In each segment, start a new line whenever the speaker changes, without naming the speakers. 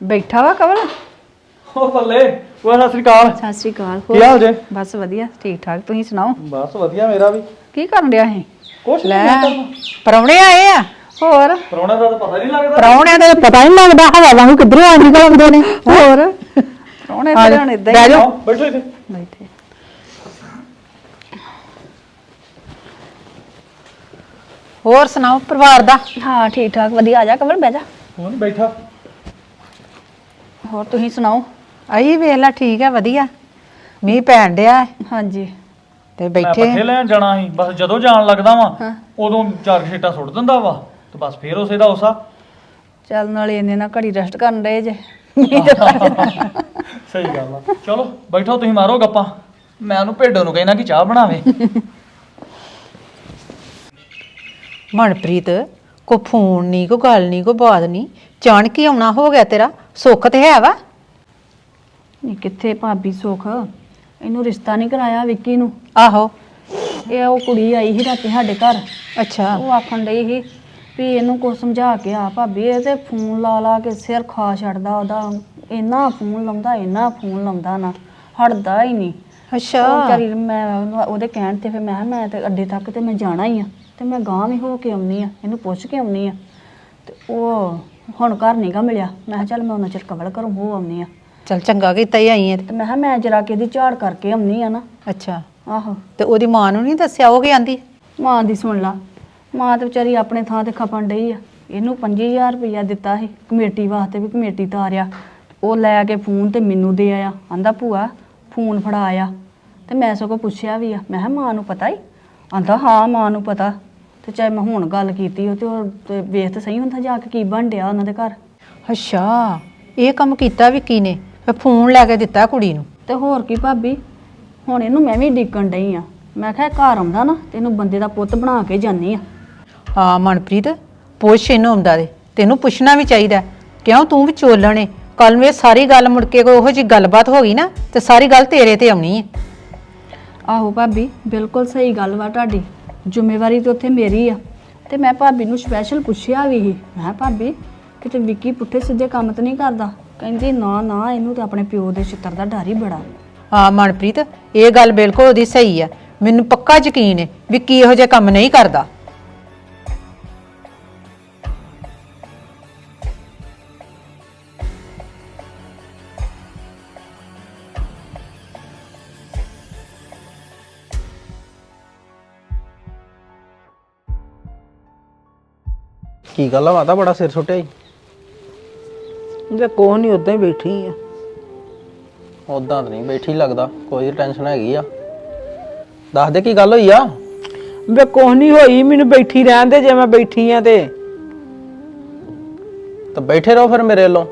ਬੈਠਾ ਵਾ ਕਵਲ।
ਉਹ ਬੱਲੇ ਉਹ ਸਤਿ ਸ੍ਰੀ ਅਕਾਲ।
ਸਤਿ ਸ੍ਰੀ ਅਕਾਲ।
ਕੀ ਹਾਲ ਜੇ?
ਬਸ ਵਧੀਆ ਠੀਕ ਠਾਕ, ਤੁਸੀਂ ਸੁਣਾਓ?
ਬਸ ਵਧੀਆ ਮੇਰਾ ਵੀ।
ਕੀ ਕਰਨ ਡਿਆ ਸੀ?
ਕੁਛ
ਲੈ
ਨਹੀਂ
ਪਰੌਣੇ ਆਏ ਆ।
ਹੋਰ
ਪਰੌਣਾ ਦਾ ਤਾਂ ਪਤਾ ਨਹੀਂ ਲੱਗਦਾ।
ਪਰੌਣਿਆਂ ਦਾ ਪਤਾ ਨਹੀਂ ਲੱਗਦਾ, ਹਵਾ ਵਾਂਗੂ ਕਿੱਧਰੋਂ ਆ ਨਿਕਲਦੇ ਨੇ।
ਹੋਰ ਪ੍ਰਾਹੁਣੇ ਫਿਰ ਹੁਣ ਇਦਾਂ
ਬਹਿ
ਹੀ
ਜਾਓ।
ਆਓ ਬੈਠੋ ਇੱਥੇ।
ਬੈਠੇ।
ਹੋਰ ਸੁਣਾਓ ਪਰਿਵਾਰ ਦਾ?
ਹਾਂ ਠੀਕ ਠਾਕ ਵਧੀਆ। ਆ ਜਾ ਕਵਲ ਬਹਿ ਜਾ।
ਹੁਣ ਬੈਠਾ।
ਹੋਰ ਤੁਸੀਂ ਸੁਣਾਓ?
ਆਈ ਵੇਖ ਲੈ, ਠੀਕ ਹੈ ਵਧੀਆ। ਮੀਂਹ ਪੈਣ ਡਿਆ ਹੈ
ਹਾਂਜੀ
ਤੇ
ਮੈਂ
ਬੈਠੇ
ਪੱਠੇ ਲੈਣ ਜਾਣਾ ਸੀ, ਬਸ ਜਦੋਂ ਜਾਣ ਲੱਗਦਾ ਵਾਂ
ਹਾਂ।
ਉਦੋਂ ਚਾਰ ਛੇਟਾ ਸੁੱਟ ਦਿੰਦਾ ਵਾ ਤੇ ਬਸ ਫੇਰ ਉਸੇ ਦਾ ਉਸਾ।
ਚੱਲ ਨਾਲੇ ਇੰਨੇ ਨਾ ਘੜੀ ਰੈਸਟ ਕਰਨ ਡਏ ਜੇ।
ਸਹੀ ਗੱਲ ਆ। ਚਲੋ ਬੈਠੋ ਤੁਸੀਂ ਮਾਰੋ ਗੱਪਾਂ। ਮੈਂ ਉਹਨੂੰ ਭੇਡੋ ਨੂੰ ਕਹਿਣਾ ਕਿ ਚਾਹ ਬਣਾਵੇ।
ਮਨਪ੍ਰੀਤ ਕੋ ਫੋਨ ਨਹੀਂ, ਕੋ ਗੱਲ ਨਹੀਂ, ਕੋ ਬਾਤ ਨਹੀਂ, ਚਾਣ ਕੀ ਆਉਣਾ ਹੋ ਗਿਆ ਤੇਰਾ? ਸੁੱਖ ਤੇ ਹੈ ਵਾ?
ਨਹੀਂ ਕਿੱਥੇ ਭਾਬੀ ਸੁੱਖ, ਇਹਨੂੰ ਰਿਸ਼ਤਾ ਨਹੀਂ ਕਰਾਇਆ ਵਿੱਕੀ ਨੂੰ।
ਆਹੋ।
ਇਹ ਉਹ ਕੁੜੀ ਆਈ ਸੀ ਰਾਤੀ ਸਾਡੇ ਘਰ,
ਅੱਛਾ।
ਉਹ ਆਖਣ ਡਈ ਸੀ ਵੀ ਇਹਨੂੰ ਕੁਛ ਸਮਝਾ ਕੇ ਆ ਭਾਬੀ, ਇਹ ਤੇ ਫੋਨ ਲਾ ਲਾ ਕੇ ਸਿਰ ਖਾ ਛੱਡਦਾ ਉਹਦਾ। ਇੰਨਾ ਫੋਨ ਲਾਉਂਦਾ ਨਾ, ਹਟਦਾ ਹੀ ਨਹੀਂ।
ਅੱਛਾ।
ਉਹ ਵਿਚਾਰੀ ਮੈਂ ਉਹਦੇ ਕਹਿਣ ਤੇ ਫਿਰ ਮੈਂ ਕਿਹਾ ਮੈਂ ਤੇ ਅੱਡੇ ਤੱਕ ਤੇ ਮੈਂ ਜਾਣਾ ਹੀ ਆ, ਤੇ ਮੈਂ ਗਾਂਹ ਵੀ ਹੋ ਕੇ ਆਉਣੀ ਆ, ਇਹਨੂੰ ਪੁੱਛ ਕੇ ਆਉਣੀ ਆ। ਤੇ ਉਹ ਹੁਣ ਘਰ ਨੀਗਾ ਮਿਲਿਆ। ਮੈਂ ਕਿਹਾ ਚੱਲ ਮੈਂ ਉਹਨਾਂ ਚਿਰ ਕਵਲ ਘਰੋਂ ਹੋ ਆਉਣੀ ਆ।
ਚਲ ਚੰਗਾ ਕੀਤਾ ਹੀ ਆਈ ਹੈ।
ਤੇ ਮੈਂ ਕਿਹਾ ਮੈਂ ਜਰਾ ਕੇ ਇਹਦੀ ਝਾੜ ਕਰਕੇ ਆਉਣੀ ਆ ਨਾ।
ਅੱਛਾ।
ਆਹੋ।
ਤੇ ਉਹਦੀ ਮਾਂ ਨੂੰ ਨਹੀਂ ਦੱਸਿਆ? ਉਹ ਕੀ ਆਂਦੀ?
ਮਾਂ ਦੀ ਸੁਣ ਲਾ, ਮਾਂ ਤੇ ਵਿਚਾਰੀ ਆਪਣੇ ਥਾਂ ਤੇ ਖਪਣ ਡਈ ਆ। ਇਹਨੂੰ 5000 ਰੁਪਇਆ ਦਿੱਤਾ ਸੀ ਕਮੇਟੀ ਵਾਸਤੇ, ਵੀ ਕਮੇਟੀ ਤਾਰਿਆ। ਉਹ ਲੈ ਕੇ ਫੋਨ ਤੇ ਮੈਨੂੰ ਦੇ ਆਇਆ, ਆਂਦਾ ਭੂਆ ਫੋਨ ਫੜਾ ਆ। ਤੇ ਮੈਂ ਸਗੋਂ ਪੁੱਛਿਆ ਵੀ ਆ, ਮੈਂ ਕਿਹਾ ਮਾਂ ਨੂੰ ਪਤਾ ਹੀ? ਆਂਦਾ ਹਾਂ ਮਾਂ ਨੂੰ ਪਤਾ। ਤੇ ਚਾਹੇ ਮੈਂ ਹੁਣ ਗੱਲ ਕੀਤੀ ਉਹ ਤੇ ਵੇਖ ਤਾਂ ਸਹੀ ਹੁੰਦਾ ਜਾ ਕੇ ਕੀ ਬਣ ਡਿਆ ਉਹਨਾਂ ਦੇ ਘਰ।
ਅੱਛਾ, ਇਹ ਕੰਮ ਕੀਤਾ ਵਿੱਕੀ ਨੇ? ਫਿਰ ਫੋਨ ਲੈ ਕੇ ਦਿੱਤਾ ਕੁੜੀ ਨੂੰ?
ਤੇ ਹੋਰ ਕੀ ਭਾਬੀ, ਹੁਣ ਇਹਨੂੰ ਮੈਂ ਵੀ ਡਿੱਕਣ ਡਈ ਆ। ਮੈਂ ਕਿਹਾ ਘਰ ਆਉਂਦਾ ਨਾ ਤੇ ਇਹਨੂੰ ਬੰਦੇ ਦਾ ਪੁੱਤ ਬਣਾ ਕੇ ਜਾਨੀ ਆ।
ਹਾਂ ਮਨਪ੍ਰੀਤ, ਪੁੱਛ ਇਹਨੂੰ ਆਉਂਦਾ ਦੇ, ਤੈਨੂੰ ਪੁੱਛਣਾ ਵੀ ਚਾਹੀਦਾ। ਕਿਉਂ ਤੂੰ ਵਿਚੋਲਣ ਏ? ਕੱਲ ਨੂੰ ਇਹ ਸਾਰੀ ਗੱਲ ਮੁੜ ਕੇ ਕੋਈ ਉਹੋ ਜਿਹੀ ਗੱਲਬਾਤ ਹੋ ਗਈ ਨਾ ਤੇ ਸਾਰੀ ਗੱਲ ਤੇਰੇ ਤੇ ਆਉਣੀ ਹੈ।
ਆਹੋ ਭਾਬੀ ਬਿਲਕੁਲ ਸਹੀ ਗੱਲ ਵਾ ਤੁਹਾਡੀ, ਜ਼ਿੰਮੇਵਾਰੀ ਤਾਂ ਉੱਥੇ ਮੇਰੀ ਆ। ਤੇ ਮੈਂ ਭਾਬੀ ਨੂੰ ਸਪੈਸ਼ਲ ਪੁੱਛਿਆ ਵੀ ਸੀ, ਮੈਂ ਕਿਹਾ ਭਾਬੀ ਕਿਤੇ ਵਿੱਕੀ ਪੁੱਠੇ ਸਿੱਧੇ ਕੰਮ ਤਾਂ ਨਹੀਂ ਕਰਦਾ? ਕਹਿੰਦੀ ਨਾ ਨਾ, ਇਹਨੂੰ ਤਾਂ ਆਪਣੇ ਪਿਓ ਦੇ ਛਿੱਤਰ ਦਾ ਡਰ ਹੀ ਬੜਾ।
ਹਾਂ ਮਨਪ੍ਰੀਤ, ਇਹ ਗੱਲ ਬਿਲਕੁਲ ਉਹਦੀ ਸਹੀ ਆ। ਮੈਨੂੰ ਪੱਕਾ ਯਕੀਨ ਹੈ ਵਿੱਕੀ ਇਹੋ ਜਿਹੇ ਕੰਮ ਨਹੀਂ ਕਰਦਾ।
ਕੀ ਗੱਲ ਆ ਮਾਤਾ, ਬੜਾ ਸਿਰ ਸੁੱਟਿਆ ਈ?
ਜੇ ਕੋਹ ਨਹੀਂ ਉਦਾਂ ਹੀ ਬੈਠੀ ਆ।
ਉਦਾਂ ਤਾਂ ਨਹੀਂ ਬੈਠੀ ਲੱਗਦਾ, ਕੋਈ ਟੈਨਸ਼ਨ ਹੈਗੀ ਆ। ਦੱਸ ਦੇ ਕੀ ਗੱਲ ਹੋਈ ਆ?
ਵੇ ਕੋਹ ਨਹੀਂ ਹੋਈ, ਮੈਨੂੰ ਬੈਠੀ ਰਹਿਣ ਦੇ। ਜੇ ਮੈਂ ਬੈਠੀ ਆ ਤੇ
ਬੈਠੇ ਰਹੋ ਫਿਰ ਮੇਰੇ ਵੱਲੋਂ।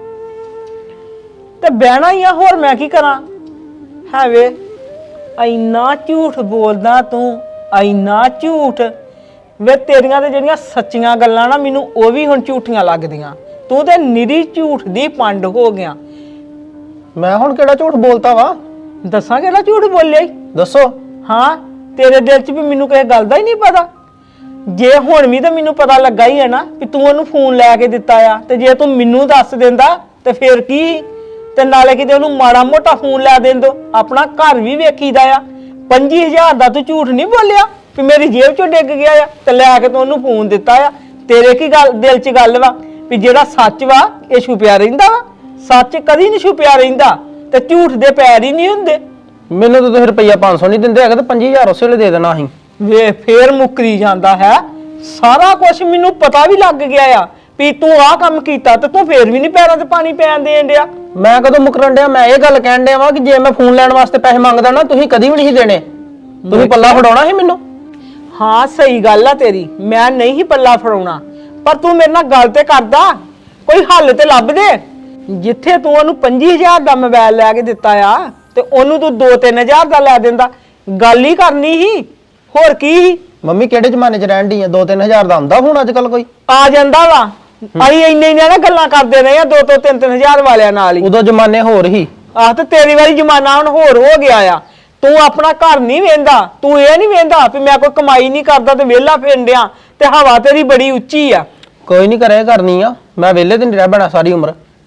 ਬਹਿਣਾ ਹੀ ਆ, ਹੋਰ ਮੈਂ ਕੀ ਕਰਾਂ? ਹੈ ਵੇ ਇੰਨਾ ਝੂਠ ਬੋਲਦਾ ਤੂੰ, ਇੰਨਾ ਝੂਠ। ਵੇ ਤੇਰੀਆਂ ਤੇ ਜਿਹੜੀਆਂ ਸੱਚੀਆਂ ਗੱਲਾਂ ਨਾ, ਮੈਨੂੰ ਉਹ ਵੀ ਹੁਣ ਝੂਠੀਆਂ ਲੱਗਦੀਆਂ। ਤੂੰ ਤੇ ਨਿਰੀ ਝੂਠ ਦੀ ਪੰਡ ਹੋ ਗਿਆ।
ਮੈਂ ਹੁਣ ਕਿਹੜਾ ਝੂਠ ਬੋਲਤਾ ਵਾ?
ਦੱਸਾਂ ਕਿਹੜਾ ਝੂਠ ਬੋਲਿਆ ਈ?
ਦੱਸੋ।
ਹਾਂ, ਤੇਰੇ ਦਿਲ 'ਚ ਵੀ ਮੈਨੂੰ ਕਿਸੇ ਗੱਲ ਦਾ ਹੀ ਨਹੀਂ ਪਤਾ। ਜੇ ਹੁਣ ਵੀ ਤਾਂ ਮੈਨੂੰ ਪਤਾ ਲੱਗਾ ਹੀ ਹੈ ਨਾ ਕਿ ਤੂੰ ਉਹਨੂੰ ਫੋਨ ਲੈ ਕੇ ਦਿੱਤਾ ਆ, ਤੇ ਜੇ ਤੂੰ ਮੈਨੂੰ ਦੱਸ ਦਿੰਦਾ ਤੇ ਫਿਰ ਕੀ? ਤੇ ਨਾਲੇ ਕਿਤੇ ਉਹਨੂੰ ਮਾੜਾ ਮੋਟਾ ਫੋਨ ਲੈ ਦੇਣ ਦੋ, ਆਪਣਾ ਘਰ ਵੀ ਵੇਖੀਦਾ ਆ। 25000 ਦਾ ਤੂੰ ਝੂਠ ਨਹੀਂ ਬੋਲਿਆ ਕਿ ਮੇਰੀ ਜੇਬ 'ਚੋਂ ਡਿੱਗ ਗਿਆ ਆ ਤੇ ਲੈ ਕੇ ਤੂੰ ਉਹਨੂੰ ਫੋਨ ਦਿੱਤਾ ਆ। ਤੇਰੇ ਕੀ ਗੱਲ ਦਿਲ 'ਚ ਗੱਲ ਵਾ ਵੀ ਜਿਹੜਾ ਸੱਚ ਵਾ ਇਹ ਛੁਪਿਆ ਰਹਿੰਦਾ ਵਾ? ਸੱਚ ਕਦੀ ਨਹੀਂ ਛੁਪਿਆ ਰਹਿੰਦਾ, ਤੇ ਝੂਠ ਦੇ ਪੈਰ ਹੀ ਨਹੀਂ ਹੁੰਦੇ।
ਮੈਨੂੰ ਤਾਂ ਤੁਸੀਂ ਰੁਪਈਆ 500 ਨਹੀਂ ਦਿੰਦੇ ਹੈਗੇ, ਤੇ 25000 ਉਸੇ ਵੇਲੇ ਦੇ ਦੇਣਾ ਸੀ।
ਵੇ ਫੇਰ ਮੁੱਕਰੀ ਜਾਂਦਾ ਹੈ। ਸਾਰਾ ਕੁਝ ਮੈਨੂੰ ਪਤਾ ਵੀ ਲੱਗ ਗਿਆ ਆ ਵੀ ਤੂੰ ਆਹ ਕੰਮ ਕੀਤਾ, ਤੇ ਤੂੰ ਫੇਰ ਵੀ ਨਹੀਂ ਪੈਰਾਂ ਤੇ ਪਾਣੀ ਪੈਣ ਦੇਣ ਡਿਆ।
ਮੈਂ ਕਦੋਂ ਮੁਕਰਨ ਡਿਆ? ਮੈਂ ਇਹ ਗੱਲ ਕਹਿਣ ਡਿਆ ਵਾਂ ਕਿ ਜੇ ਮੈਂ ਫੋਨ ਲੈਣ ਵਾਸਤੇ ਪੈਸੇ ਮੰਗਦਾ ਨਾ, ਤੁਸੀਂ ਕਦੀ ਵੀ ਨਹੀਂ ਦੇਣੇ। ਤੁਸੀਂ ਪੱਲਾ ਫੜਾਉਣਾ ਸੀ ਮੈਨੂੰ।
ਹਾਂ ਸਹੀ ਗੱਲ ਆ ਤੇਰੀ, ਮੈਂ ਨਹੀਂ ਹੀ ਪੱਲਾ ਫੜਾਉਣਾ, ਪਰ ਤੂੰ ਮੇਰੇ ਨਾਲ ਗੱਲ ਤੇ ਕਰਦਾ, ਕੋਈ ਹੱਲ ਤੇ ਲੱਭ ਦੇ। ਜਿੱਥੇ ਤੂੰ ਉਹਨੂੰ 25000 ਦਾ ਮੋਬਾਈਲ ਲੈ ਕੇ ਦਿੱਤਾ ਆ, ਤੇ ਉਹਨੂੰ ਤੂੰ 2-3000 ਦਾ ਲੈ ਦਿੰਦਾ। ਗੱਲ ਹੀ ਕਰਨੀ ਸੀ, ਹੋਰ ਕੀ?
ਮੰਮੀ ਕਿਹੜੇ ਜ਼ਮਾਨੇ 'ਚ ਰਹਿਣ ਢੀ ਆ? 2-3000 ਦਾ ਹੁੰਦਾ ਹੁਣ ਅੱਜ ਕੱਲ ਕੋਈ?
ਆ ਜਾਂਦਾ ਵਾ। ਅਸੀਂ ਇੰਨੇ ਨਾ ਗੱਲਾਂ ਕਰਦੇ ਰਹੇ ਆ 2-3 ਵਾਲਿਆਂ ਨਾਲ ਹੀ।
ਉਦੋਂ ਜ਼ਮਾਨੇ ਹੋਰ ਹੀ।
ਆਹ ਤੇ ਤੇਰੀ ਵਾਰੀ ਜ਼ਮਾਨਾ ਹੁਣ ਹੋਰ ਹੋ ਗਿਆ ਆ। ਤੂੰ ਆਪਣਾ ਘਰ ਨਹੀਂ ਵੇਂਦਾ, ਤੂੰ ਇਹ ਨਹੀਂ ਵੇਂਦਾ ਵੀ ਮੈਂ ਕੋਈ ਕਮਾਈ ਨਹੀਂ ਕਰਦਾ ਤੇ ਵਿਹਲਾ ਫਿਰਦਿਆਂ, ਤੇ ਹਵਾ ਤੇਰੀ ਬੜੀ ਉੱਚੀ ਆ।
ਕੋਈ ਨਹੀਂ ਕਰੇ ਕਰਨੀ ਆ, ਮੈਂ ਵਿਹਲੇ ਤੇ ਨਹੀਂ ਰਹਿ ਬਣਾ ਸਾਰੀ ਉਮਰ।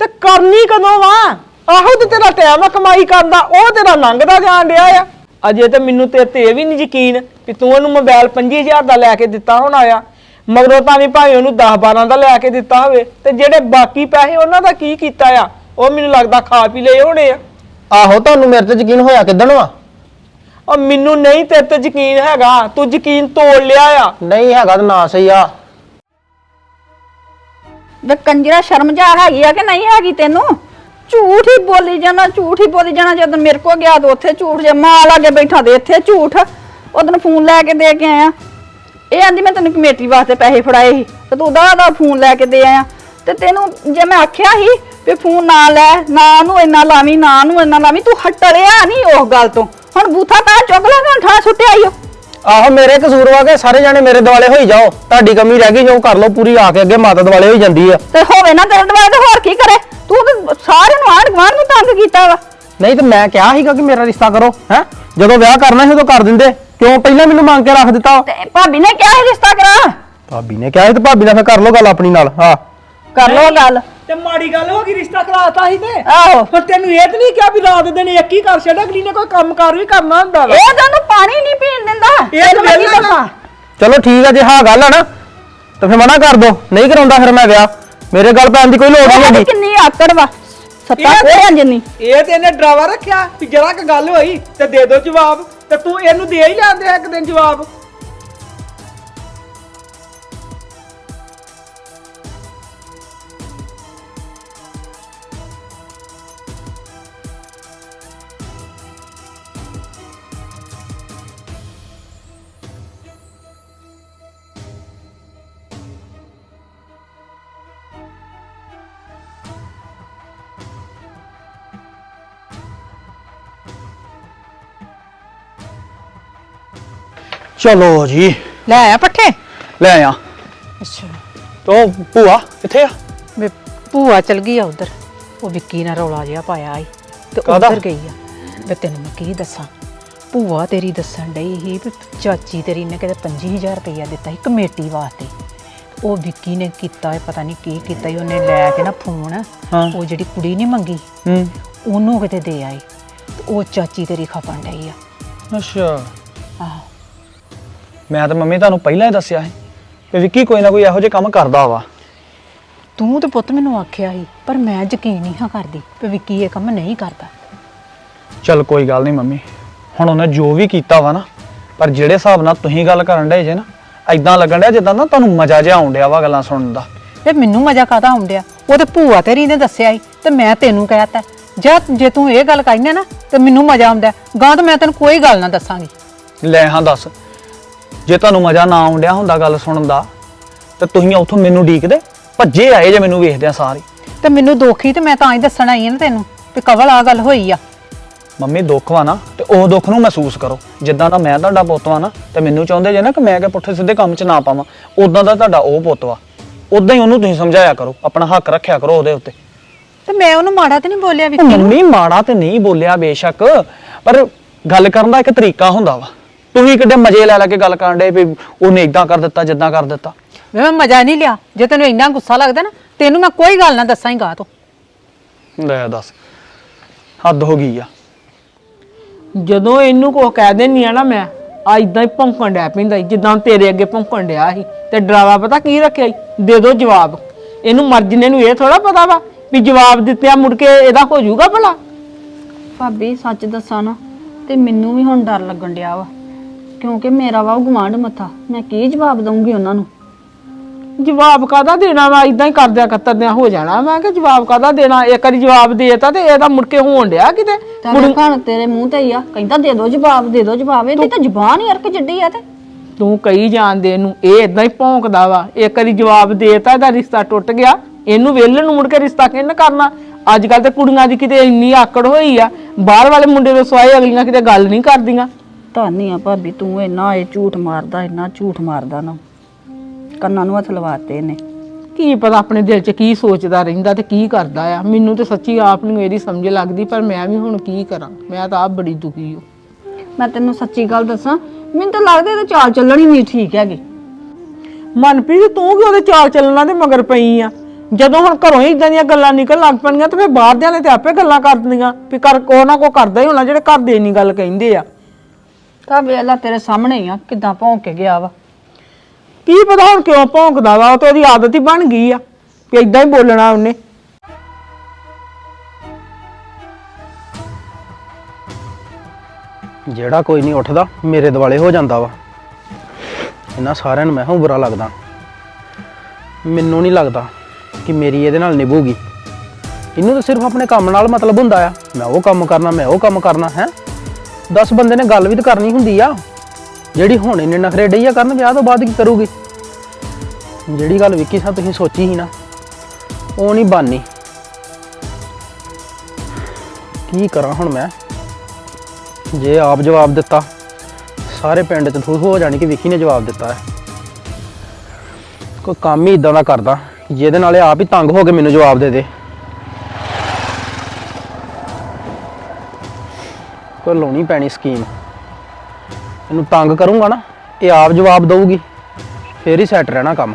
ਤੇ ਕਰਨੀ ਕਦੋਂ ਵਾ? ਆਹੋ ਤੇ ਤੇਰਾ ਟਾਈਮ ਆ ਕਮਾਈ ਕਰਨ ਦਾ, ਉਹ ਤੇਰਾ ਲੰਘਦਾ ਜਾਣ ਡਿਆ ਆ। ਅਜੇ ਤੇ ਮੈਨੂੰ ਤੇਰੇ ਤੇ ਇਹ ਵੀ ਨਹੀਂ ਯਕੀਨ ਕਿ ਤੂੰ ਉਹਨੂੰ ਮੋਬਾਈਲ 25,000 ਦਾ ਲੈ ਕੇ ਦਿੱਤਾ ਹੋਣਾ ਆ। ਮਗਰੋਂ ਤਾਂ ਵੀ ਭਾਵੇਂ ਉਹਨੂੰ 10-12 ਦਾ ਲੈ ਕੇ ਦਿੱਤਾ ਹੋਵੇ, ਤੇ ਜਿਹੜੇ ਬਾਕੀ ਪੈਸੇ ਉਹਨਾਂ ਦਾ ਕੀ ਕੀਤਾ ਆ? ਉਹ ਮੈਨੂੰ ਲੱਗਦਾ ਖਾ ਪੀ ਲਏ ਹੋਣੇ ਆ।
ਆਹੋ ਤੁਹਾਨੂੰ ਮੇਰੇ ਤੇ ਯਕੀਨ ਹੋਇਆ ਕਿੱਦਣ ਵਾ?
ਉਹ ਮੈਨੂੰ ਨਹੀਂ ਤੇਰੇ ਤੇ ਯਕੀਨ ਹੈਗਾ, ਤੂੰ ਯਕੀਨ ਤੋੜ ਲਿਆ ਆ।
ਨਹੀਂ ਹੈਗਾ ਤਾਂ ਨਾ ਸਹੀ ਆ।
ਵੇ ਕੰਜਰਾ ਸ਼ਰਮ ਜਾ ਹੈਗੀ ਆ ਕਿ ਨਹੀਂ ਹੈਗੀ ਤੈਨੂੰ? ਝੂਠ ਹੀ ਬੋਲੀ ਜਾਣਾ, ਝੂਠ ਹੀ ਬੋਲੀ ਜਾਣਾ। ਜਦੋਂ ਮੇਰੇ ਕੋ ਗਿਆ ਤਾਂ ਉੱਥੇ ਝੂਠ, ਜੇ ਮਾਂ ਲਾਗੇ ਬੈਠਾ ਤੇ ਇੱਥੇ ਝੂਠ। ਉਦੋਂ ਫੋਨ ਲੈ ਕੇ ਦੇ ਕੇ ਆਇਆ, ਇਹ ਆਂਦੀ ਮੈਂ ਤੈਨੂੰ ਕਮੇਟੀ ਵਾਸਤੇ ਪੈਸੇ ਫੜਾਏ ਸੀ ਤੇ ਤੂੰ ਉਹਦਾ ਫੋਨ ਲੈ ਕੇ ਦੇ ਆਇਆ। ਤੇ ਤੈਨੂੰ ਜੇ ਮੈਂ ਆਖਿਆ ਸੀ ਵੀ ਫੋਨ ਨਾ ਲੈ, ਨਾ ਨੂੰ ਇੰਨਾ ਲਾਵੀਂ, ਨਾ ਨੂੰ ਇੰਨਾ ਲਾਵੀਂ, ਤੂੰ ਹਟੜਿਆ ਨਹੀਂ ਉਸ ਗੱਲ ਤੋਂ। ਹੁਣ ਬੂਥਾ ਤਾਂ ਚੁੱਕ ਲੈ ਕੇ ਠਾ ਸੁੱਟਿਆ ਈ ਓ।
ਆਹੋ ਮੇਰੇ ਕਸੂਰ ਵਾ ਕੇ ਸਾਰੇ ਜਾਣੇ ਮੇਰੇ ਦੁਆਲੇ ਹੋਈ ਜਾਓ। ਤੁਹਾਡੀ ਕਮੀ ਰਹਿ ਗਈ ਜੋ ਕਰ ਲਓ ਪੂਰੀ, ਆ ਕੇ ਅੱਗੇ ਮਾਤਾ ਦੁਆਲੇ ਹੋਈ ਜਾਂਦੀ ਆ।
ਤੇ ਹੋਵੇ ਨਾ ਤੇਰੇ ਦੁਆਲੇ ਤੇ ਹੋਰ ਕੀ ਕਰੇ? ਤੂੰ ਤੇ ਸਾਰਿਆਂ ਨੂੰ ਆਂਢ ਗੁਆਂਢ ਨੂੰ ਤੰਗ ਕੀਤਾ ਵਾ।
ਨਹੀਂ ਤੇ ਮੈਂ ਕਿਹਾ ਸੀਗਾ ਕਿ ਮੇਰਾ ਰਿਸ਼ਤਾ ਕਰੋ ਹੈ, ਜਦੋਂ ਵਿਆਹ ਕਰਨਾ ਸੀ ਉਦੋਂ ਕਰ ਦਿੰਦੇ, ਕਿਉਂ ਪਹਿਲਾਂ ਮੈਨੂੰ ਮੰਗ ਕੇ ਰੱਖ ਦਿੱਤਾ?
ਤੇ ਭਾਬੀ ਨੇ ਕਿਹਾ ਸੀ ਰਿਸ਼ਤਾ ਕਰਾ।
ਭਾਬੀ ਨੇ ਕਿਹਾ ਸੀ ਤੇ ਭਾਬੀ ਨਾਲ ਫਿਰ ਕਰ ਲਓ ਗੱਲ ਆਪਣੀ ਨਾਲ। ਹਾਂ
ਕਰ ਲੋ ਗੱਲ।
ਤੇ ਮਾੜੀ ਗੱਲ ਹੋ ਗਈ, ਰਿਸ਼ਤਾ ਕਰਾਤਾ ਸੀ ਤੇ
ਆਹੋ,
ਪਰ ਤੈਨੂੰ ਇਹ ਤਾਂ ਨਹੀਂ ਕਿਹਾ ਵੀ ਰਾਤ ਦਿਨ ਇੱਕ ਹੀ ਕਰ ਛੱਡ, ਅਗਲੀ ਨੇ ਕੋਈ ਕੰਮਕਾਰ ਵੀ ਕਰਨਾ ਹੁੰਦਾ ਵਾ।
ਇਹ ਤੁਹਾਨੂੰ ਪਾਣੀ ਨਹੀਂ ਪੀਣ ਦਿੰਦਾ।
ਇਹ ਤਾਂ
ਮੈਂ ਕੀ
ਵਿਹਲਾ
ਦੱਸਾਂ?
ਚਲੋ ਠੀਕ ਆ, ਜੇ ਹਾਂ ਗੱਲ ਆ ਨਾ ਤਾਂ ਫਿਰ ਮਨਾ ਕਰ ਦੋ, ਨਹੀਂ ਕਰਾਉਂਦਾ ਫਿਰ ਮੈਂ ਵਿਆਹ। ਮੇਰੇ ਗੱਲ ਪੈਣ ਦੀ ਕੋਈ ਲੋੜ ਨਹੀਂ
ਉਹਦੀ
ਹੈਗੀ।
ਕਿੰਨੀ ਆਕੜ ਵਾ, ਸੱਤਾ
ਇਹ-
ਕੋਹਰਾਂ ਜਿੰਨੀ।
ਇਹ ਤੇ ਇਹਨੇ ਡਰਾਵਾ ਰੱਖਿਆ ਵੀ ਜਰਾ ਕ ਗੱਲ ਹੋਈ ਤੇ ਦੇ ਦੋ ਜਵਾਬ, ਤੇ ਤੂੰ ਇਹਨੂੰ ਦੇ ਹੀ ਲੈਂਦੇ ਇੱਕ ਦਿਨ ਜਵਾਬ।
ਚਲੋ ਜੀ
ਲੈ ਆਇਆ ਪੱਠੇ?
ਲੈ ਆਇਆ।
ਅੱਛਾ,
ਤੋ ਭੂਆ ਕਿੱਥੇ ਆ?
ਵੇ ਭੂਆ ਚਲ ਗਈ ਆ ਉਧਰ। ਉਹ ਵਿੱਕੀ ਨਾਲ ਰੌਲਾ ਜਿਹਾ ਪਾਇਆ ਆਈ ਤੇ
ਕਾਹਦਾ?
ਉਧਰ ਗਈ ਆ। ਵੇ ਤੈਨੂੰ ਮੈਂ ਕੀ ਦੱਸਾਂ, ਭੂਆ ਤੇਰੀ ਦੱਸਣ ਡਈ ਸੀ ਵੀ ਚਾਚੀ ਤੇਰੀ ਨੇ ਕਿਤੇ 25,000 ਰੁਪਇਆ ਦਿੱਤਾ ਸੀ ਕਮੇਟੀ ਵਾਸਤੇ। ਉਹ ਵਿੱਕੀ ਨੇ ਕੀਤਾ ਪਤਾ ਨਹੀਂ ਕੀ ਕੀਤਾ ਈ, ਉਹਨੇ ਲੈ ਕੇ ਨਾ ਫੋਨ,
ਹਾਂ।
ਉਹ ਜਿਹੜੀ ਕੁੜੀ ਨਹੀਂ ਮੰਗੀ ਉਹਨੂੰ ਕਿਤੇ ਦੇ ਆਈ ਤੇ ਉਹ ਚਾਚੀ ਤੇਰੀ ਖਪਣ ਡਈ ਆ।
ਅੱਛਾ,
ਆਹੋ,
ਮੈਂ ਤਾਂ ਮੰਮੀ ਤੁਹਾਨੂੰ ਪਹਿਲਾਂ ਹੀ ਦੱਸਿਆ ਸੀ ਕਿ ਵਿੱਕੀ ਕੋਈ ਨਾ ਕੋਈ ਇਹੋ ਜਿਹੇ ਕੰਮ ਕਰਦਾ ਵਾ।
ਤੂੰ ਤੇ ਪੁੱਤ ਮੈਨੂੰ ਆਖਿਆ ਸੀ, ਪਰ ਮੈਂ ਯਕੀਨ ਨਹੀਂ ਹਾਂ ਕਰਦੀ ਵੀ ਵਿੱਕੀ ਇਹ ਕੰਮ ਨਹੀਂ ਕਰਦਾ।
ਚਲ ਕੋਈ ਗੱਲ ਨਹੀਂ ਮੰਮੀ, ਹੁਣ ਉਹਨੇ ਜੋ ਵੀ ਕੀਤਾ ਵਾ ਨਾ, ਪਰ ਜਿਹੜੇ ਹਿਸਾਬ ਨਾਲ ਤੁਸੀਂ ਗੱਲ ਕਰਨ ਡਏ ਜੇ ਨਾ, ਐਦਾਂ ਲੱਗਣ ਡਿਆ ਜਿੱਦਾਂ ਨਾ ਤੁਹਾਨੂੰ ਮਜ਼ਾ ਜਿਹਾ ਆਉਣ ਡਿਆ ਵਾ ਗੱਲਾਂ ਸੁਣਨ ਦਾ।
ਤੇ ਮੈਨੂੰ ਮਜ਼ਾ ਕਾਹਦਾ ਆਉਂਦਿਆ? ਉਹ ਤੇ ਭੂਆ ਤੇਰੀ ਨੇ ਦੱਸਿਆ ਸੀ ਤੇ ਮੈਂ ਤੈਨੂੰ ਕਹਿਤਾ। ਜੇ ਤੂੰ ਇਹ ਗੱਲ ਕਹਿੰਦਾ ਨਾ ਤੇ ਮੈਨੂੰ ਮਜ਼ਾ ਆਉਂਦਾ, ਗਾਂ ਤਾਂ ਮੈਂ ਤੈਨੂੰ ਕੋਈ ਗੱਲ ਨਾ ਦੱਸਾਂਗੀ।
ਲੈ ਹਾਂ ਦੱਸ, ਜੇ ਤੁਹਾਨੂੰ ਮਜ਼ਾ ਨਾ ਆਉਣ ਡਿਆ ਹੁੰਦਾ ਗੱਲ ਸੁਣਨ ਦਾ ਤੇ ਤੁਸੀਂ ਉੱਥੋਂ ਮੈਨੂੰ ਡੀਕਦੇ, ਭੱਜੇ ਆਏ ਜੇ ਮੈਨੂੰ ਵੇਖਦੇ ਆ ਸਾਰੇ।
ਤੇ ਮੈਨੂੰ ਦੁੱਖ ਹੀ ਤੇ ਮੈਂ ਤਾਂ ਹੀ ਦੱਸਣ ਆਈ ਆ ਨਾ ਤੈਨੂੰ ਵੀ ਕਵਲ ਆ ਗੱਲ ਹੋਈ ਆ।
ਮੰਮੀ ਦੁੱਖ ਵਾ ਨਾ ਤੇ ਉਹ ਦੁੱਖ ਨੂੰ ਮਹਿਸੂਸ ਕਰੋ। ਜਿੱਦਾਂ ਦਾ ਮੈਂ ਤੁਹਾਡਾ ਪੁੱਤ ਵਾ ਨਾ, ਤੇ ਮੈਨੂੰ ਚਾਹੁੰਦੇ ਜੇ ਨਾ ਕਿ ਮੈਂ ਕਿ ਪੁੱਠੇ ਸਿੱਧੇ ਕੰਮ 'ਚ ਨਾ ਪਾਵਾਂ, ਉਦਾਂ ਦਾ ਤੁਹਾਡਾ ਉਹ ਪੁੱਤ ਵਾ। ਉਦਾਂ ਹੀ ਉਹਨੂੰ ਤੁਸੀਂ ਸਮਝਾਇਆ ਕਰੋ, ਆਪਣਾ ਹੱਕ ਰੱਖਿਆ ਕਰੋ ਉਹਦੇ ਉੱਤੇ।
ਤੇ ਮੈਂ ਉਹਨੂੰ ਮਾੜਾ ਤੇ ਨਹੀਂ ਬੋਲਿਆ
ਉਹ
ਵਿੱਕੀ ਨੂੰ।
ਮੰਮੀ ਮਾੜਾ ਤੇ ਨਹੀਂ ਬੋਲਿਆ ਬੇਸ਼ੱਕ, ਪਰ ਗੱਲ ਕਰਨ ਦਾ ਇੱਕ ਤਰੀਕਾ ਹੁੰਦਾ ਵਾ। ਤੁਸੀਂ ਕਿੱਡੇ ਮਜ਼ੇ ਲੈ ਕੇ ਗੱਲ ਕਰਨ ਡੇ ਵੀ ਉਹਨੇ ਇਦਾਂ ਕਰ ਦਿੱਤਾ ਜਿੱਦਾਂ ਕਰ ਦਿੱਤਾ।
ਮੈਂ ਮਜ਼ਾ ਨਹੀਂ ਲਿਆ। ਜੇ ਤੈਨੂੰ ਇੰਨਾ ਗੁੱਸਾ ਲੱਗਦਾ ਨਾ, ਤੈਨੂੰ ਮੈਂ ਕੋਈ ਗੱਲ ਨਾ ਦੱਸਾਂ ਹੀ ਗਾ ਤੋਂ।
ਲੈ ਦੱਸ, ਹੱਦ ਹੋ ਗਈ ਆ।
ਜਦੋਂ ਇਹਨੂੰ ਕੁਝ ਕਹਿ ਦਿੰਨੀ ਆ ਨਾ, ਮੈਂ ਆ ਇਦਾਂ ਹੀ ਭੌਂਕਣ ਡਿਆ ਪੈਂਦਾ ਈ, ਜਿੱਦਾਂ ਤੇਰੇ ਅੱਗੇ ਭੌਂਕਣ ਡਿਆ ਸੀ। ਤੇ ਡਰਾਵਾ ਪਤਾ ਕੀ ਰੱਖਿਆ ਈ? ਦੇ ਦੋ ਜਵਾਬ। ਇਹਨੂੰ ਮਰਜ਼ੀ ਨੂੰ ਇਹ ਥੋੜਾ ਪਤਾ ਵਾ ਵੀ ਜਵਾਬ ਦਿੱਤਿਆ ਮੁੜ ਕੇ ਇਹਦਾ ਹੋ ਜਾਊਗਾ ਭਲਾ।
ਭਾਬੀ ਸੱਚ ਦੱਸਾਂ ਨਾ ਤੇ ਮੈਨੂੰ ਵੀ ਹੁਣ ਡਰ ਲੱਗਣ ਡਿਆ ਵਾ, ਕਿਉਂਕਿ ਮੇਰਾ ਵਾ ਗੁਆਂਢ ਮੱਥਾ। ਮੈਂ ਕੀ ਜਵਾਬ ਦਊਂਗੀ ਉਹਨਾਂ ਨੂੰ?
ਜਵਾਬ ਕਾਹਦਾ ਦੇਣਾ ਵਾ? ਇਦਾਂ ਹੀ ਕਰਦਿਆਂ ਕਤਰਦਿਆਂ ਹੋ ਜਾਣਾ। ਮੈਂ ਕਿ ਜਵਾਬ ਕਾਹਦਾ ਦੇਣਾ? ਇੱਕ ਵਾਰੀ ਜਵਾਬ ਦੇਤਾ ਤੇ ਇਹਦਾ ਮੁੜ ਕੇ ਹੋਣ ਡਿਆ ਕਿਤੇ।
ਤੇਰੇ ਘਣ ਤੇਰੇ ਮੂੰਹ ਤੇ ਹੀ ਆ, ਕਹਿੰਦਾ ਦੇ ਦੋ ਜਵਾਬ, ਦੇ ਦੋ ਜਵਾਬ। ਇਹਦੀ ਤਾਂ ਜ਼ੁਬਾਨ ਹੀ ਅਰਕ ਜੱਡੀ ਆ। ਤੇ
ਤੂੰ ਕਹੀ ਜਾਣਦੇ ਇਹਨੂੰ, ਇਹ ਇਦਾਂ ਹੀ ਭੌਂਕਦਾ ਵਾ। ਇੱਕ ਵਾਰੀ ਜਵਾਬ ਦੇਤਾ, ਇਹਦਾ ਰਿਸ਼ਤਾ ਟੁੱਟ ਗਿਆ। ਇਹਨੂੰ ਵੇਲਣ ਨੂੰ ਮੁੜ ਕੇ ਰਿਸ਼ਤਾ ਕਿਹਨੇ ਕਰਨਾ? ਅੱਜ ਕੱਲ ਤੇ ਕੁੜੀਆਂ ਦੀ ਕਿਤੇ ਇੰਨੀ ਆਕੜ ਹੋਈ ਆ, ਬਾਹਰ ਵਾਲੇ ਮੁੰਡੇ ਦੇ ਸਵਾਏ ਅਗਲੀਆਂ ਕਿਤੇ ਗੱਲ ਨਹੀਂ ਕਰਦੀਆਂ।
ਧੰਨੀ ਆ ਭਾਬੀ, ਤੂੰ ਇੰਨਾ ਇਹ ਝੂਠ ਮਾਰਦਾ, ਇੰਨਾ ਝੂਠ ਮਾਰਦਾ ਨਾ, ਕੰਨਾਂ ਨੂੰ ਹੱਥ ਲਵਾਤੇ ਇਹਨੇ।
ਕੀ ਪਤਾ ਆਪਣੇ ਦਿਲ 'ਚ ਕੀ ਸੋਚਦਾ ਰਹਿੰਦਾ ਤੇ ਕੀ ਕਰਦਾ ਆ। ਮੈਨੂੰ ਤੇ ਸੱਚੀ ਆਪ ਨੂੰ ਇਹਦੀ ਸਮਝ ਲੱਗਦੀ, ਪਰ ਮੈਂ ਵੀ ਹੁਣ ਕੀ ਕਰਾਂ। ਮੈਂ ਤਾਂ ਆਪ ਬੜੀ ਦੁਖੀ ਹਾਂ।
ਮੈਂ ਤੈਨੂੰ ਸੱਚੀ ਗੱਲ ਦੱਸਾਂ, ਮੈਨੂੰ ਤਾਂ ਲੱਗਦਾ ਇਹਦੇ ਚਾਲ ਚੱਲਣ ਹੀ ਨਹੀਂ ਠੀਕ ਹੈਗੀ।
ਮਨਪ੍ਰੀਤ, ਤੂੰ ਕਿ ਉਹਦੇ ਚਾਲ ਚੱਲਣਾ ਦੇ ਮਗਰ ਪਈ ਆ? ਜਦੋਂ ਹੁਣ ਘਰੋਂ ਹੀ ਇਦਾਂ ਦੀਆਂ ਗੱਲਾਂ ਨਿਕਲ ਲੱਗ ਪੈਣੀਆਂ ਤੇ ਫਿਰ ਬਾਹਰਦਿਆਂ ਨੇ ਤੇ ਆਪੇ ਗੱਲਾਂ ਕਰ ਦਿੰਦੀਆਂ ਵੀ ਕਰ ਕੋ ਨਾ ਕੋ ਕਰਦਾ ਹੀ ਹੋਣਾ ਜਿਹੜੇ ਘਰ ਦੇ ਇੰਨੀ ਗੱਲ ਕਹਿੰਦੇ ਆ।
ਤਾਂ ਵੇਲਾ ਤੇਰੇ ਸਾਹਮਣੇ ਹੀ ਆ ਕਿਦਾਂ ਭੌਂਕ ਕੇ ਗਿਆ ਵਾ।
ਕੀ ਪਤਾ ਹੁਣ ਕਿਉਂ ਭੌਂਕਦਾ ਵਾ, ਉਹ ਤੇ ਉਹਦੀ ਆਦਤ ਹੀ ਬਣ ਗਈ ਆ ਵੀ ਇਦਾਂ ਹੀ ਬੋਲਣਾ ਉਹਨੇ।
ਜਿਹੜਾ ਕੋਈ ਨਹੀਂ ਉੱਠਦਾ ਮੇਰੇ ਦੁਆਲੇ ਹੋ ਜਾਂਦਾ ਵਾ। ਇਹਨਾਂ ਸਾਰਿਆਂ ਨੂੰ ਮੈਂ ਹਾਂ ਬੁਰਾ ਲੱਗਦਾ। ਮੈਨੂੰ ਨਹੀਂ ਲੱਗਦਾ ਕਿ ਮੇਰੀ ਇਹਦੇ ਨਾਲ ਨਿਭੂਗੀ। ਇਹਨੂੰ ਤਾਂ ਸਿਰਫ ਆਪਣੇ ਕੰਮ ਨਾਲ ਮਤਲਬ ਹੁੰਦਾ ਆ, ਮੈਂ ਉਹ ਕੰਮ ਕਰਨਾ, ਮੈਂ ਉਹ ਕੰਮ ਕਰਨਾ ਹੈ। 10 ਬੰਦੇ ਨੇ ਗੱਲ ਵੀ ਤਾਂ ਕਰਨੀ ਹੁੰਦੀ ਆ। ਜਿਹੜੀ ਹੁਣ ਇੰਨੇ ਨਖਰੇ ਡਈ ਆ ਕਰਨ, ਵਿਆਹ ਤੋਂ ਬਾਅਦ ਕੀ ਕਰੂਗੀ? ਜਿਹੜੀ ਗੱਲ ਵਿੱਕੀ ਸਾਹਿਬ ਤੁਸੀਂ ਸੋਚੀ ਸੀ ਨਾ, ਉਹ ਨਹੀਂ ਬਣਨੀ। ਕੀ ਕਰਾਂ ਹੁਣ ਮੈਂ? ਜੇ ਆਪ ਜਵਾਬ ਦਿੱਤਾ ਸਾਰੇ ਪਿੰਡ 'ਚ ਥੂ ਹੋ ਜਾਣੀ ਕਿ ਵਿੱਕੀ ਨੇ ਜਵਾਬ ਦਿੱਤਾ ਹੈ। ਕੋਈ ਕੰਮ ਹੀ ਇਦਾਂ ਦਾ ਕਰਦਾ ਜਿਹਦੇ ਨਾਲ ਇਹ ਆਪ ਹੀ ਤੰਗ ਹੋ ਕੇ ਮੈਨੂੰ ਜਵਾਬ ਦੇ ਦੇ। ਕੋਈ ਲਾਉਣੀ ਪੈਣੀ ਸਕੀਮ। ਇਹਨੂੰ ਤੰਗ ਕਰੂੰਗਾ ਨਾ, ਇਹ ਆਪ ਜਵਾਬ ਦਊਗੀ, ਫੇਰ ਹੀ ਸੈੱਟ ਰਹਿਣਾ ਕੰਮ।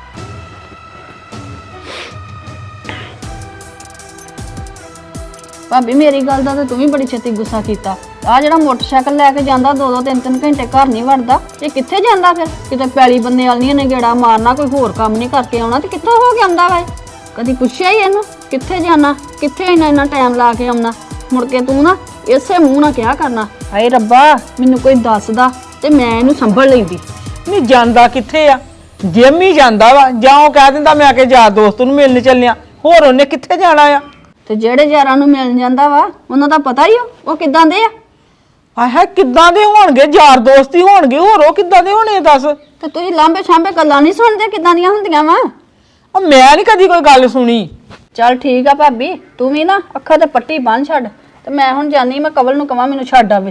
ਭਾਬੀ ਮੇਰੀ ਗੱਲ ਦਾ ਤੇ ਤੂੰ ਵੀ ਬੜੀ ਛੇਤੀ ਗੁੱਸਾ ਕੀਤਾ। ਆ ਜਿਹੜਾ ਮੋਟਰਸਾਈਕਲ ਲੈ ਕੇ ਜਾਂਦਾ 2-2 3-3 ਘੰਟੇ ਘਰ ਨਹੀਂ ਵੜਦਾ, ਇਹ ਕਿੱਥੇ ਜਾਂਦਾ ਫਿਰ? ਕਿਤੇ ਪੈਲੀ ਬੰਨੇ ਵਾਲੀਆਂ ਨੇ ਗੇੜਾ ਮਾਰਨਾ, ਕੋਈ ਹੋਰ ਕੰਮ ਨਹੀਂ ਕਰਕੇ ਆਉਣਾ ਤੇ ਕਿੱਥੋਂ ਹੋ ਕੇ ਆਉਂਦਾ ਵਾ? ਕਦੀ ਪੁੱਛਿਆ ਹੀ ਇਹਨੂੰ ਕਿੱਥੇ ਜਾਣਾ, ਕਿੱਥੇ ਇੰਨਾ ਟਾਈਮ ਲਾ ਕੇ ਆਉਣਾ? ਮੁੜ ਕੇ ਤੂੰ ਨਾ ਇਸੇ ਮੂੰਹ ਨਾਲ ਕਿਹਾ ਕਰਨਾ, ਹਾਏ ਰੱਬਾ ਮੈਨੂੰ ਕੋਈ ਦੱਸਦਾ ਤੇ ਮੈਂ ਇਹਨੂੰ ਸੰਭਲ ਲੈਂਦੀ।
ਨਹੀਂ ਜਾਂਦਾ ਕਿੱਥੇ ਆ? ਜਿਮ ਹੀ ਜਾਂਦਾ ਵਾ, ਜਾਂ ਉਹ ਕਹਿ ਦਿੰਦਾ ਮੈਂ ਆ ਕੇ ਯਾਰ ਦੋਸਤ ਨੂੰ ਮਿਲਣ ਚੱਲਿਆ, ਹੋਰ ਉਹਨੇ ਕਿੱਥੇ ਜਾਣਾ ਆ?
ਤੇ ਜਿਹੜੇ ਯਾਰਾਂ ਨੂੰ ਮਿਲ ਜਾਂਦਾ ਵਾ ਉਹਨਾਂ ਦਾ ਪਤਾ ਹੀ ਉਹ ਕਿੱਦਾਂ ਦੇ ਆ।
ਆਹ ਕਿੱਦਾਂ ਦੇ ਹੋਣਗੇ? ਯਾਰ ਦੋਸਤ ਹੀ ਹੋਣਗੇ, ਹੋਰ ਉਹ ਕਿੱਦਾਂ ਦੇ ਹੋਣੇ ਦੱਸ?
ਤੇ ਤੁਸੀਂ ਲਾਂਬੇ ਛਾਂਬੇ ਗੱਲਾਂ ਨਹੀਂ ਸੁਣਦੇ ਕਿੱਦਾਂ ਦੀਆਂ ਹੁੰਦੀਆਂ ਵਾ?
ਮੈਂ ਨਹੀਂ ਕਦੀ ਕੋਈ ਗੱਲ ਸੁਣੀ।
ਚੱਲ ਠੀਕ ਆ ਭਾਬੀ, ਤੂੰ ਵੀ ਨਾ ਅੱਖਾਂ ਤੇ ਪੱਟੀ ਬੰਨ ਛੱਡ ਤੇ ਮੈਂ ਹੁਣ ਜਾਨੀ, ਮੈਂ ਕਵਲ ਨੂੰ ਕਵਾਂ ਮੈਨੂੰ ਛੱਡ ਆਵੇ।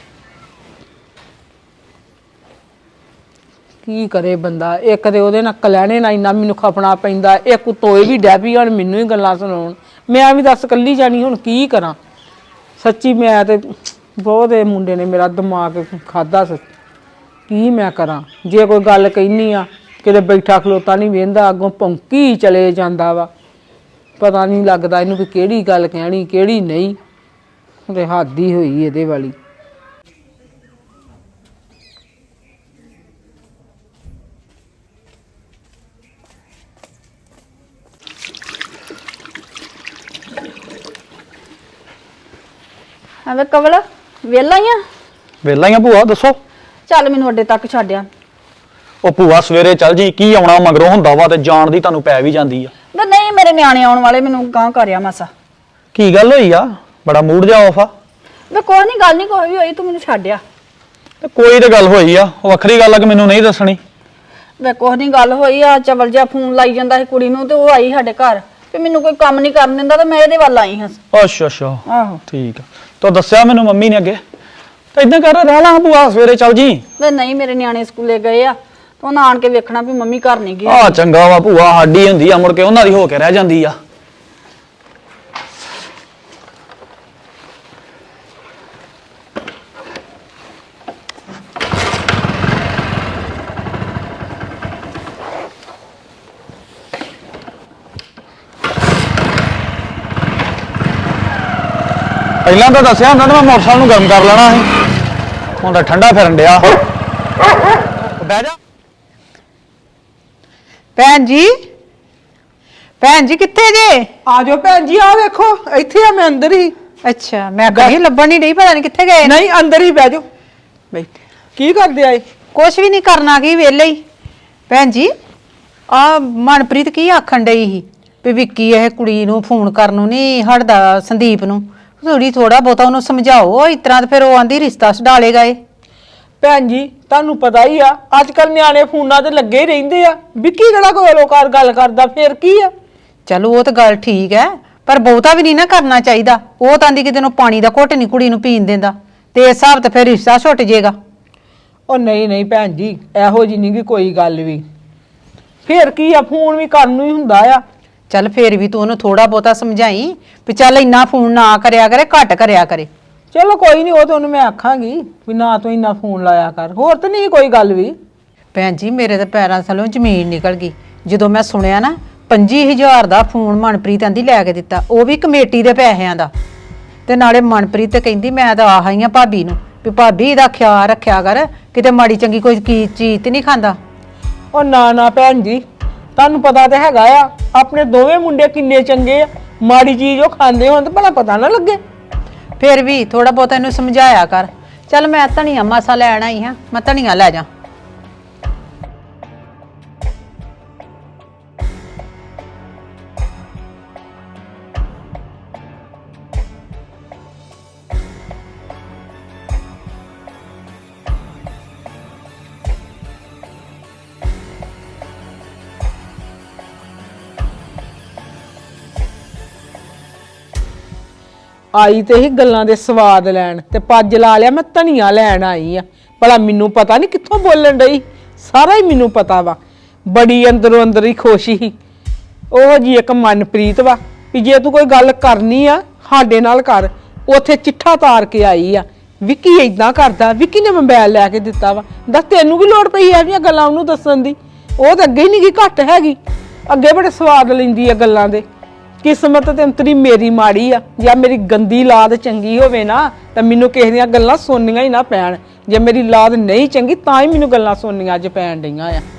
ਕੀ ਕਰੇ ਬੰਦਾ, ਇੱਕ ਤੇ ਉਹਦੇ ਨਾਲ ਕਲਹਿਣੇ ਨਾਲ ਇੰਨਾ ਮੈਨੂੰ ਖਪਣਾ ਪੈਂਦਾ, ਇੱਕ ਤੋਏ ਵੀ ਡੈਪੀ ਹੁਣ ਮੈਨੂੰ ਹੀ ਗੱਲਾਂ ਸੁਣਾਉਣ। ਮੈਂ ਵੀ ਦੱਸ ਕੱਲੀ ਜਾਣੀ ਹੁਣ ਕੀ ਕਰਾਂ? ਸੱਚੀ ਮੈਂ ਤੇ ਬਹੁਤ ਇਹ ਮੁੰਡੇ ਨੇ ਮੇਰਾ ਦਿਮਾਗ ਖਾਦਾ। ਕੀ ਮੈਂ ਕਰਾਂ? ਜੇ ਕੋਈ ਗੱਲ ਕਹਿਨੀ ਆ ਕਿਤੇ ਬੈਠਾ ਖਲੋਤਾ ਨਹੀਂ ਵੇਂਦਾ, ਅੱਗੋਂ ਭੌਂਕੀ ਚਲੇ ਜਾਂਦਾ ਵਾ। ਪਤਾ ਨਹੀਂ ਲੱਗਦਾ ਇਹਨੂੰ ਵੀ ਕਿਹੜੀ ਗੱਲ ਕਹਿਣੀ ਕਿਹੜੀ ਨਹੀਂ। ਤੇ ਹੱਦ ਹੀ ਹੋਈ ਇਹਦੇ ਵਾਲੀ।
ਹਾਂ ਵੇ ਕਵਲ ਵਿਹਲਾ ਹੀ ਆ?
ਵੇਲਾ ਹੀ ਆ ਭੂਆ, ਦੱਸੋ।
ਚੱਲ ਮੈਨੂੰ ਅੱਡੇ ਤੱਕ ਛੱਡਿਆ।
ਉਹ ਭੂਆ ਸਵੇਰੇ ਚੱਲ ਜੀ, ਕੀ ਆਉਣਾ ਮਗਰੋਂ ਹੁੰਦਾ ਵਾ ਤੇ ਜਾਣ ਦੀ ਤੁਹਾਨੂੰ ਪੈ ਵੀ ਜਾਂਦੀ ਆ।
ਵੇ ਨਹੀਂ ਮੇਰੇ ਨਿਆਣੇ ਆਉਣ ਵਾਲੇ, ਮੈਨੂੰ ਗਾਂ ਕਰਿਆ ਮਾਸਾ।
ਕੀ ਗੱਲ ਹੋਈ ਆ? ਬੜਾ ਮੂਡ ਜਾ ਆਫ ਆ।
ਵੇ ਕੋਈ ਨਹੀਂ, ਗੱਲ ਨਹੀਂ ਕੋਈ ਵੀ ਹੋਈ, ਤੂੰ ਮੈਨੂੰ ਛੱਡਿਆ।
ਤੇ ਕੋਈ ਤੇ ਗੱਲ ਹੋਈ ਆ, ਉਹ ਵੱਖਰੀ ਗੱਲ ਆ ਕਿ ਮੈਨੂੰ ਨਹੀਂ ਦੱਸਣੀ।
ਵੇ ਕੁਛ ਨਹੀਂ ਗੱਲ ਹੋਈ ਆ, ਚਵਲ ਜਿਹਾ ਫੋਨ ਲਾਈ ਜਾਂਦਾ ਸੀ ਕੁੜੀ ਨੂੰ ਤੇ ਉਹ ਆਈ ਸਾਡੇ ਘਰ ਤੇ ਮੈਨੂੰ ਕੋਈ ਕੰਮ ਨਹੀਂ ਕਰਨ ਦਿੰਦਾ ਤੇ ਮੈਂ ਇਹਦੇ ਵੱਲ ਆਈ ਹਾਂ।
ਅੱਛਾ
ਆਹੋ
ਠੀਕ ਆ। ਤੋ ਦੱਸਿਆ ਮੈਨੂੰ ਮੰਮੀ ਨੇ ਅੱਗੇ, ਤਾਂ ਇਦਾਂ ਕਰ ਰਹਿ ਲਾ ਭੂਆ, ਸਵੇਰੇ ਚੱਲ ਜੀ।
ਵੇ ਨਹੀਂ ਮੇਰੇ ਨਿਆਣੇ ਸਕੂਲੇ ਗਏ ਆ ਤੇ ਉਹਨਾਂ ਆਣ ਕੇ ਵੇਖਣਾ ਵੀ ਮੰਮੀ ਘਰ ਨਹੀਂ ਗਈ।
ਆ ਚੰਗਾ ਵਾ ਭੂਆ, ਸਾਡੀ ਹੁੰਦੀ ਆ ਮੁੜ ਕੇ ਉਹਨਾਂ ਦੀ ਹੋ ਕੇ ਰਹਿ ਜਾਂਦੀ ਆ। ਪਹਿਲਾਂ ਤਾਂ ਦੱਸਿਆ ਹੁੰਦਾ ਤਾਂ ਮੈਂ ਮੋਟਰਸਾਈਕਲ ਨੂੰ ਗਰਮ ਕਰ ਲੈਣਾ ਸੀ, ਹੁਣ ਤਾਂ ਠੰਡਾ ਫਿਰਨ ਡਿਆ। ਬਹਿ ਜਾ।
ਭੈਣ ਜੀ ਕਿੱਥੇ ਜੇ?
ਆ ਜਾਓ ਭੈਣ ਜੀ, ਆ ਵੇਖੋ ਇੱਥੇ ਆ, ਮੈਂ ਅੰਦਰ ਹੀ।
ਅੱਛਾ, ਮੈਂ ਕहीं ਲੱਭਣ ਨਹੀਂ ਡਈ, ਪਤਾ ਨਹੀਂ ਕਿੱਥੇ ਗਏ।
ਨਹੀਂ ਅੰਦਰ ਹੀ ਬਹਿ ਜਾਓ। ਬੈਠੇ ਕੀ ਕਰਦੇ ਆਏ?
ਕੁਛ ਵੀ ਨਹੀਂ ਕਰਨਾ, ਕੀ ਵਿਹਲੇ ਹੀ। ਭੈਣ ਜੀ ਆ ਮਨਪ੍ਰੀਤ ਕੀ ਆਖਣ ਡਈ ਸੀ ਵੀ ਵਿੱਕੀ ਇਹ ਕੁੜੀ ਨੂੰ ਫੋਨ ਕਰਨ ਨੂੰ ਨਹੀਂ ਹਟਦਾ, ਸੰਦੀਪ ਨੂੰ ਥੋੜਾ ਬਹੁਤਾ ਉਹਨੂੰ ਸਮਝਾਓ। ਇਸ ਤਰ੍ਹਾਂ ਤੇ ਫਿਰ ਉਹ ਆਂਦੀ ਰਿਸ਼ਤਾ ਛਡਾਲੇਗਾ ਇਹ।
ਭੈਣ ਜੀ ਤੁਹਾਨੂੰ ਪਤਾ ਹੀ ਆ, ਅੱਜ ਕੱਲ ਨਿਆਣੇ ਫੋਨਾਂ ਤੇ ਲੱਗੇ ਹੀ ਰਹਿੰਦੇ ਆ। ਵਿੱਕੀ ਜਿਹੜਾ ਕੋਈ ਲੋਕਾਰ ਗੱਲ ਕਰਦਾ ਫਿਰ ਕੀ ਆ?
ਚਲੋ ਉਹ ਤਾਂ ਗੱਲ ਠੀਕ ਹੈ, ਪਰ ਬਹੁਤਾ ਵੀ ਨਹੀਂ ਨਾ ਕਰਨਾ ਚਾਹੀਦਾ। ਉਹ ਤਾਂ ਆਂਦੀ ਕਿਤੇ ਨੂੰ ਪਾਣੀ ਦਾ ਘੁੱਟ ਨਹੀਂ ਕੁੜੀ ਨੂੰ ਪੀਣ ਦਿੰਦਾ, ਤੇ ਇਸ ਹਿਸਾਬ ਤੇ ਫਿਰ ਰਿਸ਼ਤਾ ਛੁੱਟ ਜਾਏਗਾ।
ਉਹ ਨਹੀਂ ਭੈਣ ਜੀ, ਇਹੋ ਜੀ ਨਹੀਂ ਕੋਈ ਗੱਲ ਵੀ। ਫਿਰ ਕੀ ਆ, ਫੋਨ ਵੀ ਕਰਨ ਨੂੰ ਹੀ ਹੁੰਦਾ ਆ।
ਚੱਲ ਫੇਰ ਵੀ ਤੂੰ ਉਹਨੂੰ ਥੋੜਾ ਬਹੁਤਾ ਸਮਝਾਈ ਵੀ ਚੱਲ ਇੰਨਾ ਫੋਨ ਨਾ ਕਰਿਆ ਕਰੇ, ਘੱਟ ਕਰਿਆ ਕਰੇ।
ਚਲੋ ਕੋਈ ਨਹੀਂ, ਉਹ ਤਾਂ ਉਹਨੂੰ ਮੈਂ ਆਖਾਂਗੀ ਵੀ ਨਾ ਤੂੰ ਇੰਨਾ ਫੋਨ ਲਾਇਆ ਕਰ, ਹੋਰ ਤਾਂ ਨਹੀਂ ਕੋਈ ਗੱਲ ਵੀ।
ਭੈਣ ਜੀ ਮੇਰੇ ਤਾਂ ਪੈਰਾਂ ਥੱਲੋਂ ਜ਼ਮੀਨ ਨਿਕਲ ਗਈ ਜਦੋਂ ਮੈਂ ਸੁਣਿਆ ਨਾ 25000 ਦਾ ਫੋਨ ਮਨਪ੍ਰੀਤ ਆਂਦੀ ਲੈ ਕੇ ਦਿੱਤਾ, ਉਹ ਵੀ ਕਮੇਟੀ ਦੇ ਪੈਸਿਆਂ ਦਾ। ਤੇ ਨਾਲੇ ਮਨਪ੍ਰੀਤ ਤੇ ਕਹਿੰਦੀ ਮੈਂ ਤਾਂ ਆਹ ਹੀ ਆ ਭਾਬੀ ਨੂੰ ਵੀ ਭਾਬੀ ਇਹਦਾ ਖਿਆਲ ਰੱਖਿਆ ਕਰ, ਕਿਤੇ ਮਾੜੀ ਚੰਗੀ ਕੋਈ ਚੀਜ਼ ਤੇ ਨਹੀਂ ਖਾਂਦਾ।
ਉਹ ਨਾ ਨਾ ਭੈਣ ਜੀ, ਤੁਹਾਨੂੰ ਪਤਾ ਤਾਂ ਹੈਗਾ ਆ ਆਪਣੇ ਦੋਵੇਂ ਮੁੰਡੇ ਕਿੰਨੇ ਚੰਗੇ ਆ, ਮਾੜੀ ਚੀਜ਼ ਉਹ ਖਾਂਦੇ ਹੋਣ ਤਾਂ ਭਲਾ ਪਤਾ ਨਾ ਲੱਗੇ।
ਫਿਰ ਵੀ ਥੋੜਾ ਬਹੁਤਾ ਇਹਨੂੰ ਸਮਝਾਇਆ ਕਰ। ਚੱਲ ਮੈਂ ਧਨੀਆ ਮਾਸਾ ਲੈਣ ਆਈ ਹਾਂ, ਮੈਂ ਧਨੀਆ ਲੈ ਜਾ।
ਆਈ ਤੇ ਹੀ ਗੱਲਾਂ ਦੇ ਸਵਾਦ ਲੈਣ ਤੇ ਪੱਜ ਲਾ ਲਿਆ ਮੈਂ ਧਨੀਆ ਲੈਣ ਆਈ ਆ। ਭਲਾ ਮੈਨੂੰ ਪਤਾ ਨਹੀਂ ਕਿੱਥੋਂ ਬੋਲਣ ਡਈ, ਸਾਰਾ ਹੀ ਮੈਨੂੰ ਪਤਾ ਵਾ। ਬੜੀ ਅੰਦਰੋਂ ਅੰਦਰ ਹੀ ਖੁਸ਼ ਸੀ। ਉਹ ਜੀ ਇੱਕ ਮਨਪ੍ਰੀਤ ਵਾ ਵੀ ਜੇ ਤੂੰ ਕੋਈ ਗੱਲ ਕਰਨੀ ਆ ਸਾਡੇ ਨਾਲ ਕਰ, ਉੱਥੇ ਚਿੱਠਾ ਤਾਰ ਕੇ ਆਈ ਆ ਵਿੱਕੀ ਇਦਾਂ ਕਰਦਾ, ਵਿੱਕੀ ਨੇ ਮੋਬਾਈਲ ਲੈ ਕੇ ਦਿੱਤਾ ਵਾ। ਦੱਸ ਤੈਨੂੰ ਕੀ ਲੋੜ ਪਈ ਐਵੇਂ ਗੱਲਾਂ ਉਹਨੂੰ ਦੱਸਣ ਦੀ? ਉਹ ਤਾਂ ਅੱਗੇ ਹੀ ਨਹੀਂ ਗਈ ਘੱਟ ਹੈਗੀ, ਅੱਗੇ ਬੜੇ ਸਵਾਦ ਲੈਂਦੀ ਆ ਗੱਲਾਂ ਦੇ। ਕਿਸਮਤ ਤੇ ਅੰਤਰੀ ਮੇਰੀ ਮਾੜੀ ਆ, ਜਾਂ ਮੇਰੀ ਗੰਦੀ ਲਾਦ ਚੰਗੀ ਹੋਵੇ ਨਾ ਤਾਂ ਮੈਨੂੰ ਕਿਸੇ ਦੀਆਂ ਗੱਲਾਂ ਸੁਣਨੀਆਂ ਹੀ ਨਾ ਪੈਣ। ਜੇ ਮੇਰੀ ਲਾਦ ਨਹੀਂ ਚੰਗੀ ਤਾਂ ਹੀ ਮੈਨੂੰ ਗੱਲਾਂ ਸੁਣਨੀਆਂ ਅੱਜ ਪੈਣ ਡਈਆਂ ਆ।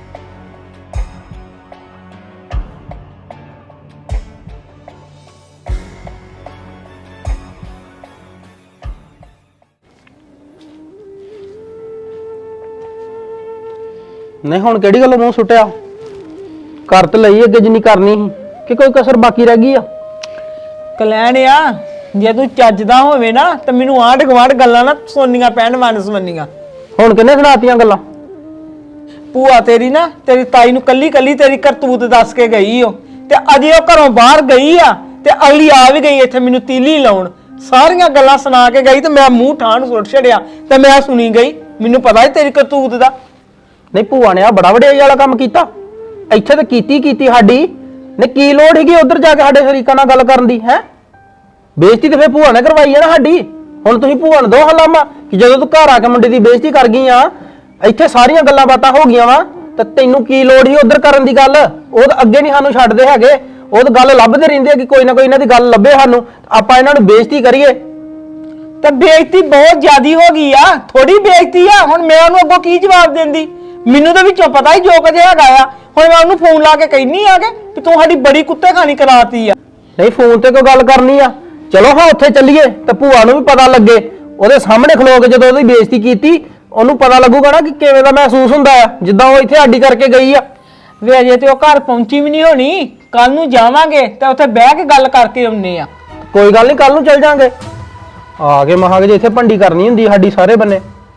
ਨਹੀਂ ਹੁਣ ਕਿਹੜੀ ਗੱਲੋਂ ਮੂੰਹ ਸੁੱਟਿਆ? ਕਰ ਤੇ ਲਈ ਅੱਗੇ ਜਿੰਨੀ ਕਰਨੀ ਸੀ, ਕਿ ਕੋਈ ਕਸਰ ਬਾਕੀ ਰਹਿ ਗਈ ਆ?
ਕਲੈਣ ਆ, ਜੇ ਤੂੰ ਚੱਜਦਾ ਹੋਵੇ ਨਾ ਤਾਂ ਮੈਨੂੰ ਆਂਢ ਗੁਆਂਢ ਗੱਲਾਂ ਨਾ ਸੁਣਨੀਆਂ ਪੈਣ ਵੰਨ-ਸਵੰਨੀਆਂ।
ਹੁਣ ਕਿੰਨੇ ਸੁਣਾਤੀਆਂ ਗੱਲਾਂ?
ਭੂਆ ਤੇਰੀ ਨਾ ਤੇਰੀ ਤਾਈ ਨੂੰ ਕੱਲੀ ਕੱਲੀ ਤੇਰੀ ਕਰਤੂਤ ਦੱਸ ਕੇ ਗਈ ਓ, ਤੇ ਅਜੇ ਉਹ ਘਰੋਂ ਬਾਹਰ ਗਈ ਆ ਤੇ ਅਗਲੀ ਆ ਵੀ ਗਈ ਇੱਥੇ ਮੈਨੂੰ ਤੀਲੀ ਲਾਉਣ। ਸਾਰੀਆਂ ਗੱਲਾਂ ਸੁਣਾ ਕੇ ਗਈ ਤੇ ਮੈਂ ਮੂੰਹ ਠਾਣ ਸੁੱਟ ਛੜਿਆ ਤੇ ਮੈਂ ਸੁਣੀ ਗਈ। ਮੈਨੂੰ ਪਤਾ ਹੈ ਤੇਰੀ ਕਰਤੂਤ ਦਾ।
ਨਹੀਂ ਭੂਆ ਨੇ ਆ ਬੜਾ ਵਡਿਆਈ ਵਾਲਾ ਕੰਮ ਕੀਤਾ। ਇੱਥੇ ਤਾਂ ਕੀਤੀ ਸਾਡੀ ਨੇ, ਕੀ ਲੋੜ ਹੈਗੀ ਉਧਰ ਜਾ ਕੇ ਸਾਡੇ ਸ਼ਰੀਕਾਂ ਨਾਲ ਗੱਲ ਕਰਨ ਦੀ? ਹੈ ਬੇਇੱਜ਼ਤੀ ਤੇ ਫੇਰ ਭੂਆ ਨੇ ਕਰਵਾਈ ਹੈ ਨਾ ਸਾਡੀ। ਹੁਣ ਤੁਸੀਂ ਭੂਆ ਨੂੰ ਦੋ ਹਲਾਮਾ ਕਿ ਜਦੋਂ ਤੂੰ ਘਰ ਆ ਕੇ ਮੁੰਡੇ ਦੀ ਬੇਇੱਜ਼ਤੀ ਕਰ ਗਈ ਆ, ਇੱਥੇ ਸਾਰੀਆਂ ਗੱਲਾਂ ਬਾਤਾਂ ਹੋ ਗਈਆਂ ਵਾ, ਤਾਂ ਤੈਨੂੰ ਕੀ ਲੋੜ ਸੀ ਉਧਰ ਕਰਨ ਦੀ ਗੱਲ? ਉਹ ਤਾਂ ਅੱਗੇ ਨਹੀਂ ਸਾਨੂੰ ਛੱਡਦੇ ਹੈਗੇ, ਉਹ ਤਾਂ ਗੱਲ ਲੱਭਦੇ ਰਹਿੰਦੇ ਆ ਕਿ ਕੋਈ ਨਾ ਕੋਈ ਇਹਨਾਂ ਦੀ ਗੱਲ ਲੱਭੇ ਸਾਨੂੰ, ਆਪਾਂ ਇਹਨਾਂ ਨੂੰ ਬੇਇੱਜ਼ਤੀ ਕਰੀਏ।
ਤੇ ਬੇਇੱਜ਼ਤੀ ਬਹੁਤ ਜ਼ਿਆਦੀ ਹੋ ਗਈ ਆ, ਥੋੜੀ ਬੇਇੱਜ਼ਤੀ ਆ। ਹੁਣ ਮੈਂ ਉਹਨੂੰ ਅੱਗੋਂ ਕੀ ਜਵਾਬ ਦਿੰਦੀ? ਮੈਨੂੰ ਤਾਂ ਵਿੱਚੋਂ ਪਤਾ ਹੀ ਜੋ ਕੁਝ ਹੈਗਾ ਆ। ਹੁਣ ਮੈਂ ਉਹਨੂੰ ਫੋਨ ਲਾ ਕੇ ਕਹਿਨੀ ਆ ਕਿ ਤੂੰ ਸਾਡੀ ਬੜੀ ਕੁੱਤੇ ਖਾਣੀ ਕਰਾਤੀ ਆ।
ਨਹੀਂ ਫੋਨ ਤੇ ਕੋਈ ਗੱਲ ਕਰਨੀ ਆ, ਚਲੋ ਹਾਂ ਉੱਥੇ ਚੱਲੀਏ ਤੇ ਭੂਆ ਨੂੰ ਵੀ ਪਤਾ ਲੱਗੇ। ਉਹਦੇ ਸਾਹਮਣੇ ਖਲੋ ਕੇ ਜਦੋਂ ਉਹਦੀ ਬੇਇੱਜ਼ਤੀ ਕੀਤੀ, ਉਹਨੂੰ ਪਤਾ ਲੱਗੂਗਾ ਨਾ ਕਿ ਕਿਵੇਂ ਦਾ ਮਹਿਸੂਸ ਹੁੰਦਾ ਆ, ਜਿੱਦਾਂ ਉਹ ਇੱਥੇ ਆਡੀ ਕਰਕੇ ਗਈ ਆ।
ਵੇ ਅਜੇ ਤੇ ਉਹ ਘਰ ਪਹੁੰਚੀ ਵੀ ਨਹੀਂ ਹੋਣੀ, ਕੱਲ ਨੂੰ ਜਾਵਾਂਗੇ ਤੇ ਉੱਥੇ ਬਹਿ ਕੇ ਗੱਲ ਕਰਕੇ ਆਉਨੇ ਆ।
ਕੋਈ ਗੱਲ ਨਹੀਂ, ਕੱਲ ਨੂੰ ਚੱਲ ਜਾਾਂਗੇ। ਆ ਕੇ ਮਹਾਂਗੇ ਜੇ ਇੱਥੇ ਭੰਡੀ ਕਰਨੀ ਹੁੰਦੀ ਸਾਡੀ ਸਾਰੇ ਬੰਨੇ।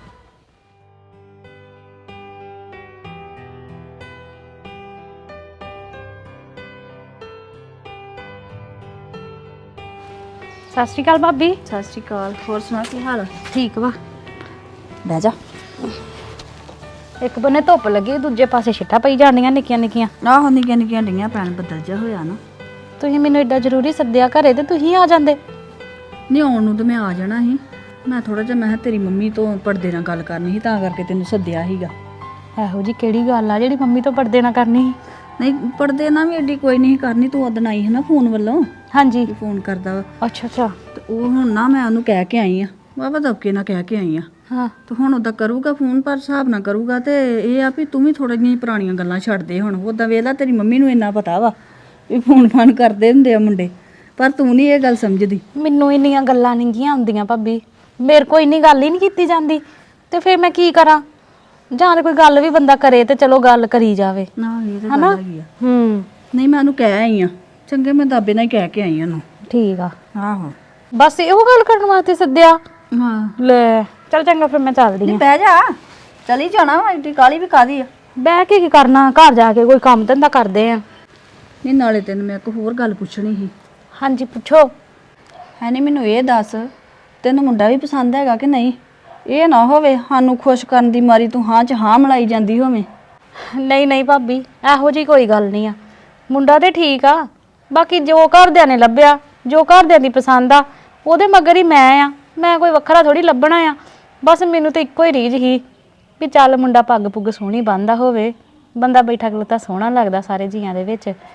ਸਤਿ ਸ਼੍ਰੀ ਅਕਾਲ ਭਾਬੀ। ਸਤਿ ਸ਼੍ਰੀ ਅਕਾਲ। ਹੋਰ ਸੁਣਾ ਕੀ ਹਾਲ? ਠੀਕ ਵਾ। ਬਹਿ ਜਾ।
ਇੱਕ ਬੰਨੇ ਧੁੱਪ ਲੱਗੀ, ਦੂਜੇ ਪਾਸੇ ਛਿੱਟਾਂ ਪਈ ਜਾਂਦੀਆਂ ਨਿੱਕੀਆਂ ਨਿੱਕੀਆਂ।
ਆਹੋ ਨਿੱਕੀਆਂ ਨਿੱਕੀਆਂ ਡਈਆਂ ਪੈਣ, ਬੱਦਲ ਜਿਹਾ ਹੋਇਆ ਨਾ।
ਤੁਸੀਂ ਮੈਨੂੰ ਏਡਾ ਜ਼ਰੂਰੀ ਸੱਦਿਆ ਘਰੇ ਤੇ ਤੁਸੀਂ ਆ ਜਾਂਦੇ।
ਨਹੀਂ ਆਉਣ ਨੂੰ ਤਾਂ ਮੈਂ ਆ ਜਾਣਾ ਸੀ, ਮੈਂ ਥੋੜਾ ਜਿਹਾ ਮੈਂ ਕਿਹਾ ਤੇਰੀ ਮੰਮੀ ਤੋਂ ਪਰਦੇ ਨਾਲ ਗੱਲ ਕਰਨੀ ਸੀ ਤਾਂ ਕਰਕੇ ਤੈਨੂੰ ਸੱਦਿਆ ਸੀਗਾ।
ਇਹੋ ਜੀ ਕਿਹੜੀ ਗੱਲ ਆ ਜਿਹੜੀ ਮੰਮੀ ਤੋਂ ਪਰਦੇ ਨਾ ਕਰਨੀ ਸੀ?
ਨਹੀਂ ਪਰਦੇ ਨਾਲ ਵੀ ਏਡੀ ਕੋਈ ਨਹੀਂ ਕਰਨੀ, ਤੂੰ ਉਦਣ ਆਈ ਹੈ ਨਾ ਫੋਨ ਵੱਲੋਂ,
ਹਾਂਜੀ।
ਫੋਨ ਕਰਦਾ ਵਾ
ਅੱਛਾ ਅੱਛਾ।
ਤੇ ਉਹ ਹੁਣ ਨਾ ਮੈਂ ਉਹਨੂੰ ਕਹਿ ਕੇ ਆਈ ਆ, ਵਾਵਾ ਦਬਕੇ ਨਾਲ ਕਹਿ ਕੇ ਆਈ ਆ।
ਹਾਂ
ਤੇ ਹੁਣ ਉਹਦਾ ਕਰੂਗਾ ਫੋਨ, ਪਰ ਹਿਸਾਬ ਨਾਲ ਕਰੂਗਾ। ਤੇ ਇਹ ਆ ਵੀ ਤੂੰ ਵੀ ਥੋੜ੍ਹੀਆਂ ਜਿਹੀਆਂ ਪੁਰਾਣੀਆਂ ਗੱਲਾਂ ਛੱਡ ਦੇ ਹੁਣ। ਉੱਦਾਂ ਵੇਖ ਲਾ ਤੇਰੀ ਮੰਮੀ ਨੂੰ ਇੰਨਾ ਪਤਾ ਵਾ ਵੀ ਫੋਨ ਫਾਨ ਕਰਦੇ ਹੁੰਦੇ ਆ ਮੁੰਡੇ, ਪਰ ਤੂੰ ਨਹੀਂ ਇਹ ਗੱਲ ਸਮਝਦੀ।
ਮੈਨੂੰ ਇੰਨੀਆਂ ਗੱਲਾਂ ਨਹੀਂ ਗੀਆਂ ਆਉਂਦੀਆਂ ਭਾਬੀ, ਮੇਰੇ ਕੋਲ ਇੰਨੀ ਗੱਲ ਹੀ ਨਹੀਂ ਕੀਤੀ ਜਾਂਦੀ, ਤੇ ਫਿਰ ਮੈਂ ਕੀ ਕਰਾਂ? ਜਾਂ ਤੇ ਕੋਈ ਗੱਲ ਵੀ ਬੰਦਾ ਕਰੇ ਤੇ ਚਲੋ ਗੱਲ ਕਰੀ ਜਾਵੇ,
ਨਾ ਇਹ ਤਾਂ
ਹਨਾ?
ਗੱਲ ਹੈਗੀ ਆ।
ਨਹੀਂ
ਮੈਂ ਉਹਨੂੰ ਕਹਿ ਆਈ ਆ, ਚੰਗੇ ਮੈਂ ਦਾਬੇ ਨਾਲ ਹੀ ਕਹਿ ਕੇ ਆਈ ਉਹਨੂੰ।
ਠੀਕ ਆ।
ਆਹੋ
ਬਸ ਇਹੋ ਗੱਲ ਕਰਨ ਵਾਸਤੇ ਸੱਦਿਆ?
ਹਾਂ।
ਲੈ ਚੱਲ ਚੰਗਾ, ਫਿਰ ਮੈਂ ਚੱਲਦੀ ਹਾਂ।
ਬਹਿ ਜਾ, ਚਲੀ ਜਾਣਾ ਵਾ, ਏਡੀ ਕਾਲੀ ਵੀ ਕਾਦੀ ਆ?
ਬਹਿ ਕੇ ਕੀ ਕਰਨਾ, ਘਰ ਜਾ ਕੇ ਕੋਈ ਕੰਮ ਧੰਦਾ ਕਰਦੇ ਆ।
ਨਹੀਂ ਨਾਲੇ ਤੈਨੂੰ ਮੈਂ ਇੱਕ ਹੋਰ ਗੱਲ ਪੁੱਛਣੀ ਸੀ।
ਹਾਂਜੀ ਪੁੱਛੋ।
ਹੈ ਨਹੀਂ ਮੈਨੂੰ ਇਹ ਦੱਸ, ਤੈਨੂੰ ਮੁੰਡਾ ਵੀ ਪਸੰਦ ਹੈਗਾ ਕਿ ਨਹੀਂ? ਇਹ ਨਾ ਹੋਵੇ ਸਾਨੂੰ ਖੁਸ਼ ਕਰਨ ਦੀ ਮਾਰੀ ਤੂੰ ਹਾਂ ਚ ਹਾਂ ਮਿਲਾਈ ਜਾਂਦੀ ਹੋਵੇਂ।
ਨਹੀਂ ਨਹੀਂ ਭਾਬੀ, ਇਹੋ ਜੀ ਕੋਈ ਗੱਲ ਨਹੀਂ ਆ। ਮੁੰਡਾ ਤੇ ਠੀਕ ਆ, ਬਾਕੀ ਜੋ ਘਰਦਿਆਂ ਨੇ ਲੱਭਿਆ, ਜੋ ਘਰਦਿਆਂ ਦੀ ਪਸੰਦ ਆ, ਉਹਦੇ ਮਗਰ ਹੀ ਮੈਂ ਆ। ਮੈਂ ਕੋਈ ਵੱਖਰਾ ਥੋੜੀ ਲੱਭਣਾ ਆ। ਬਸ ਮੈਨੂੰ ਤਾਂ ਇੱਕੋ ਹੀ ਰੀਝ ਸੀ ਵੀ ਚੱਲ ਮੁੰਡਾ ਪੱਗ ਪੁੱਗ ਸੋਹਣੀ ਬੰਨਦਾ ਹੋਵੇ, ਬੰਦਾ ਬੈਠਾ ਖਲੋਤਾ ਸੋਹਣਾ ਲੱਗਦਾ ਸਾਰੇ ਜੀਆਂ ਦੇ ਵਿੱਚ,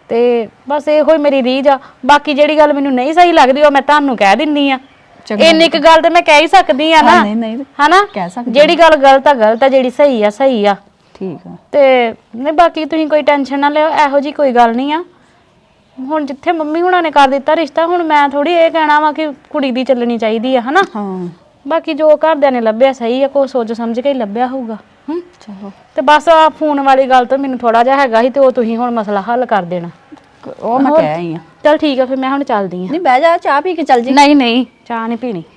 ਤੇ ਬਸ ਇਹੋ ਹੀ ਮੇਰੀ ਰੀਝ ਆ। ਬਾਕੀ ਜਿਹੜੀ ਗੱਲ ਮੈਨੂੰ ਨਹੀਂ ਸਹੀ ਲੱਗਦੀ ਉਹ ਮੈਂ ਤੁਹਾਨੂੰ ਕਹਿ ਦਿੰਨੀ ਆ। ਇੰਨੀ ਇੱਕ ਗੱਲ ਤੇ ਮੈਂ ਕਹਿ ਹੀ ਸਕਦੀ ਆ ਨਾ,
ਨਹੀਂ
ਹਨਾ?
ਕਹਿ ਸਕਦੀ।
ਜਿਹੜੀ ਗੱਲ ਗਲਤ ਆ ਗਲਤ ਆ, ਜਿਹੜੀ ਸਹੀ ਆ ਸਹੀ ਆ।
ਠੀਕ ਆ।
ਤੇ ਨਹੀਂ ਬਾਕੀ ਤੁਸੀਂ ਕੋਈ ਟੈਨਸ਼ਨ ਨਾ ਲਿਓ, ਇਹੋ ਜੀ ਕੋਈ ਗੱਲ ਨਹੀਂ ਆ। ਹੁਣ ਜਿੱਥੇ ਮੰਮੀ ਹੁਣਾਂ ਨੇ ਕਰ ਦਿੱਤਾ ਰਿਸ਼ਤਾ, ਹੁਣ ਮੈਂ ਥੋੜੀ ਇਹ ਕਹਿਣਾ ਵਾ ਕਿ ਕੁੜੀ ਦੀ ਚੱਲਣੀ ਚਾਹੀਦੀ ਆ, ਹਨਾ?
ਹਾਂ
ਬਾਕੀ ਜੋ ਘਰਦਿਆਂ ਨੇ ਲੱਭਿਆ ਸਹੀ ਆ, ਕੋਈ ਸੋਚ ਸਮਝ ਕੇ ਹੀ ਲੱਭਿਆ ਹੋਊਗਾ।
ਚਲੋ
ਤੇ ਬਸ ਆ ਫੋਨ ਵਾਲੀ ਗੱਲ ਤੋਂ ਮੈਨੂੰ ਥੋੜਾ ਜਿਹਾ ਹੈਗਾ ਸੀ, ਤੇ ਉਹ ਤੁਸੀਂ ਹੁਣ ਮਸਲਾ ਹੱਲ ਕਰ ਦੇਣਾ।
ਉਹ ਮੈਂ ਕਹਿ ਆਈ ਆ।
ਚਲ ਠੀਕ ਆ, ਫਿਰ ਮੈਂ ਹੁਣ ਚੱਲਦੀ ਆ।
ਨਹੀਂ ਬਹਿ ਜਾ, ਚਾਹ ਪੀ ਕੇ ਚੱਲ ਜੀ।
ਨਹੀਂ ਨਹੀਂ, ਚਾਹ ਨਹੀਂ ਪੀਣੀ।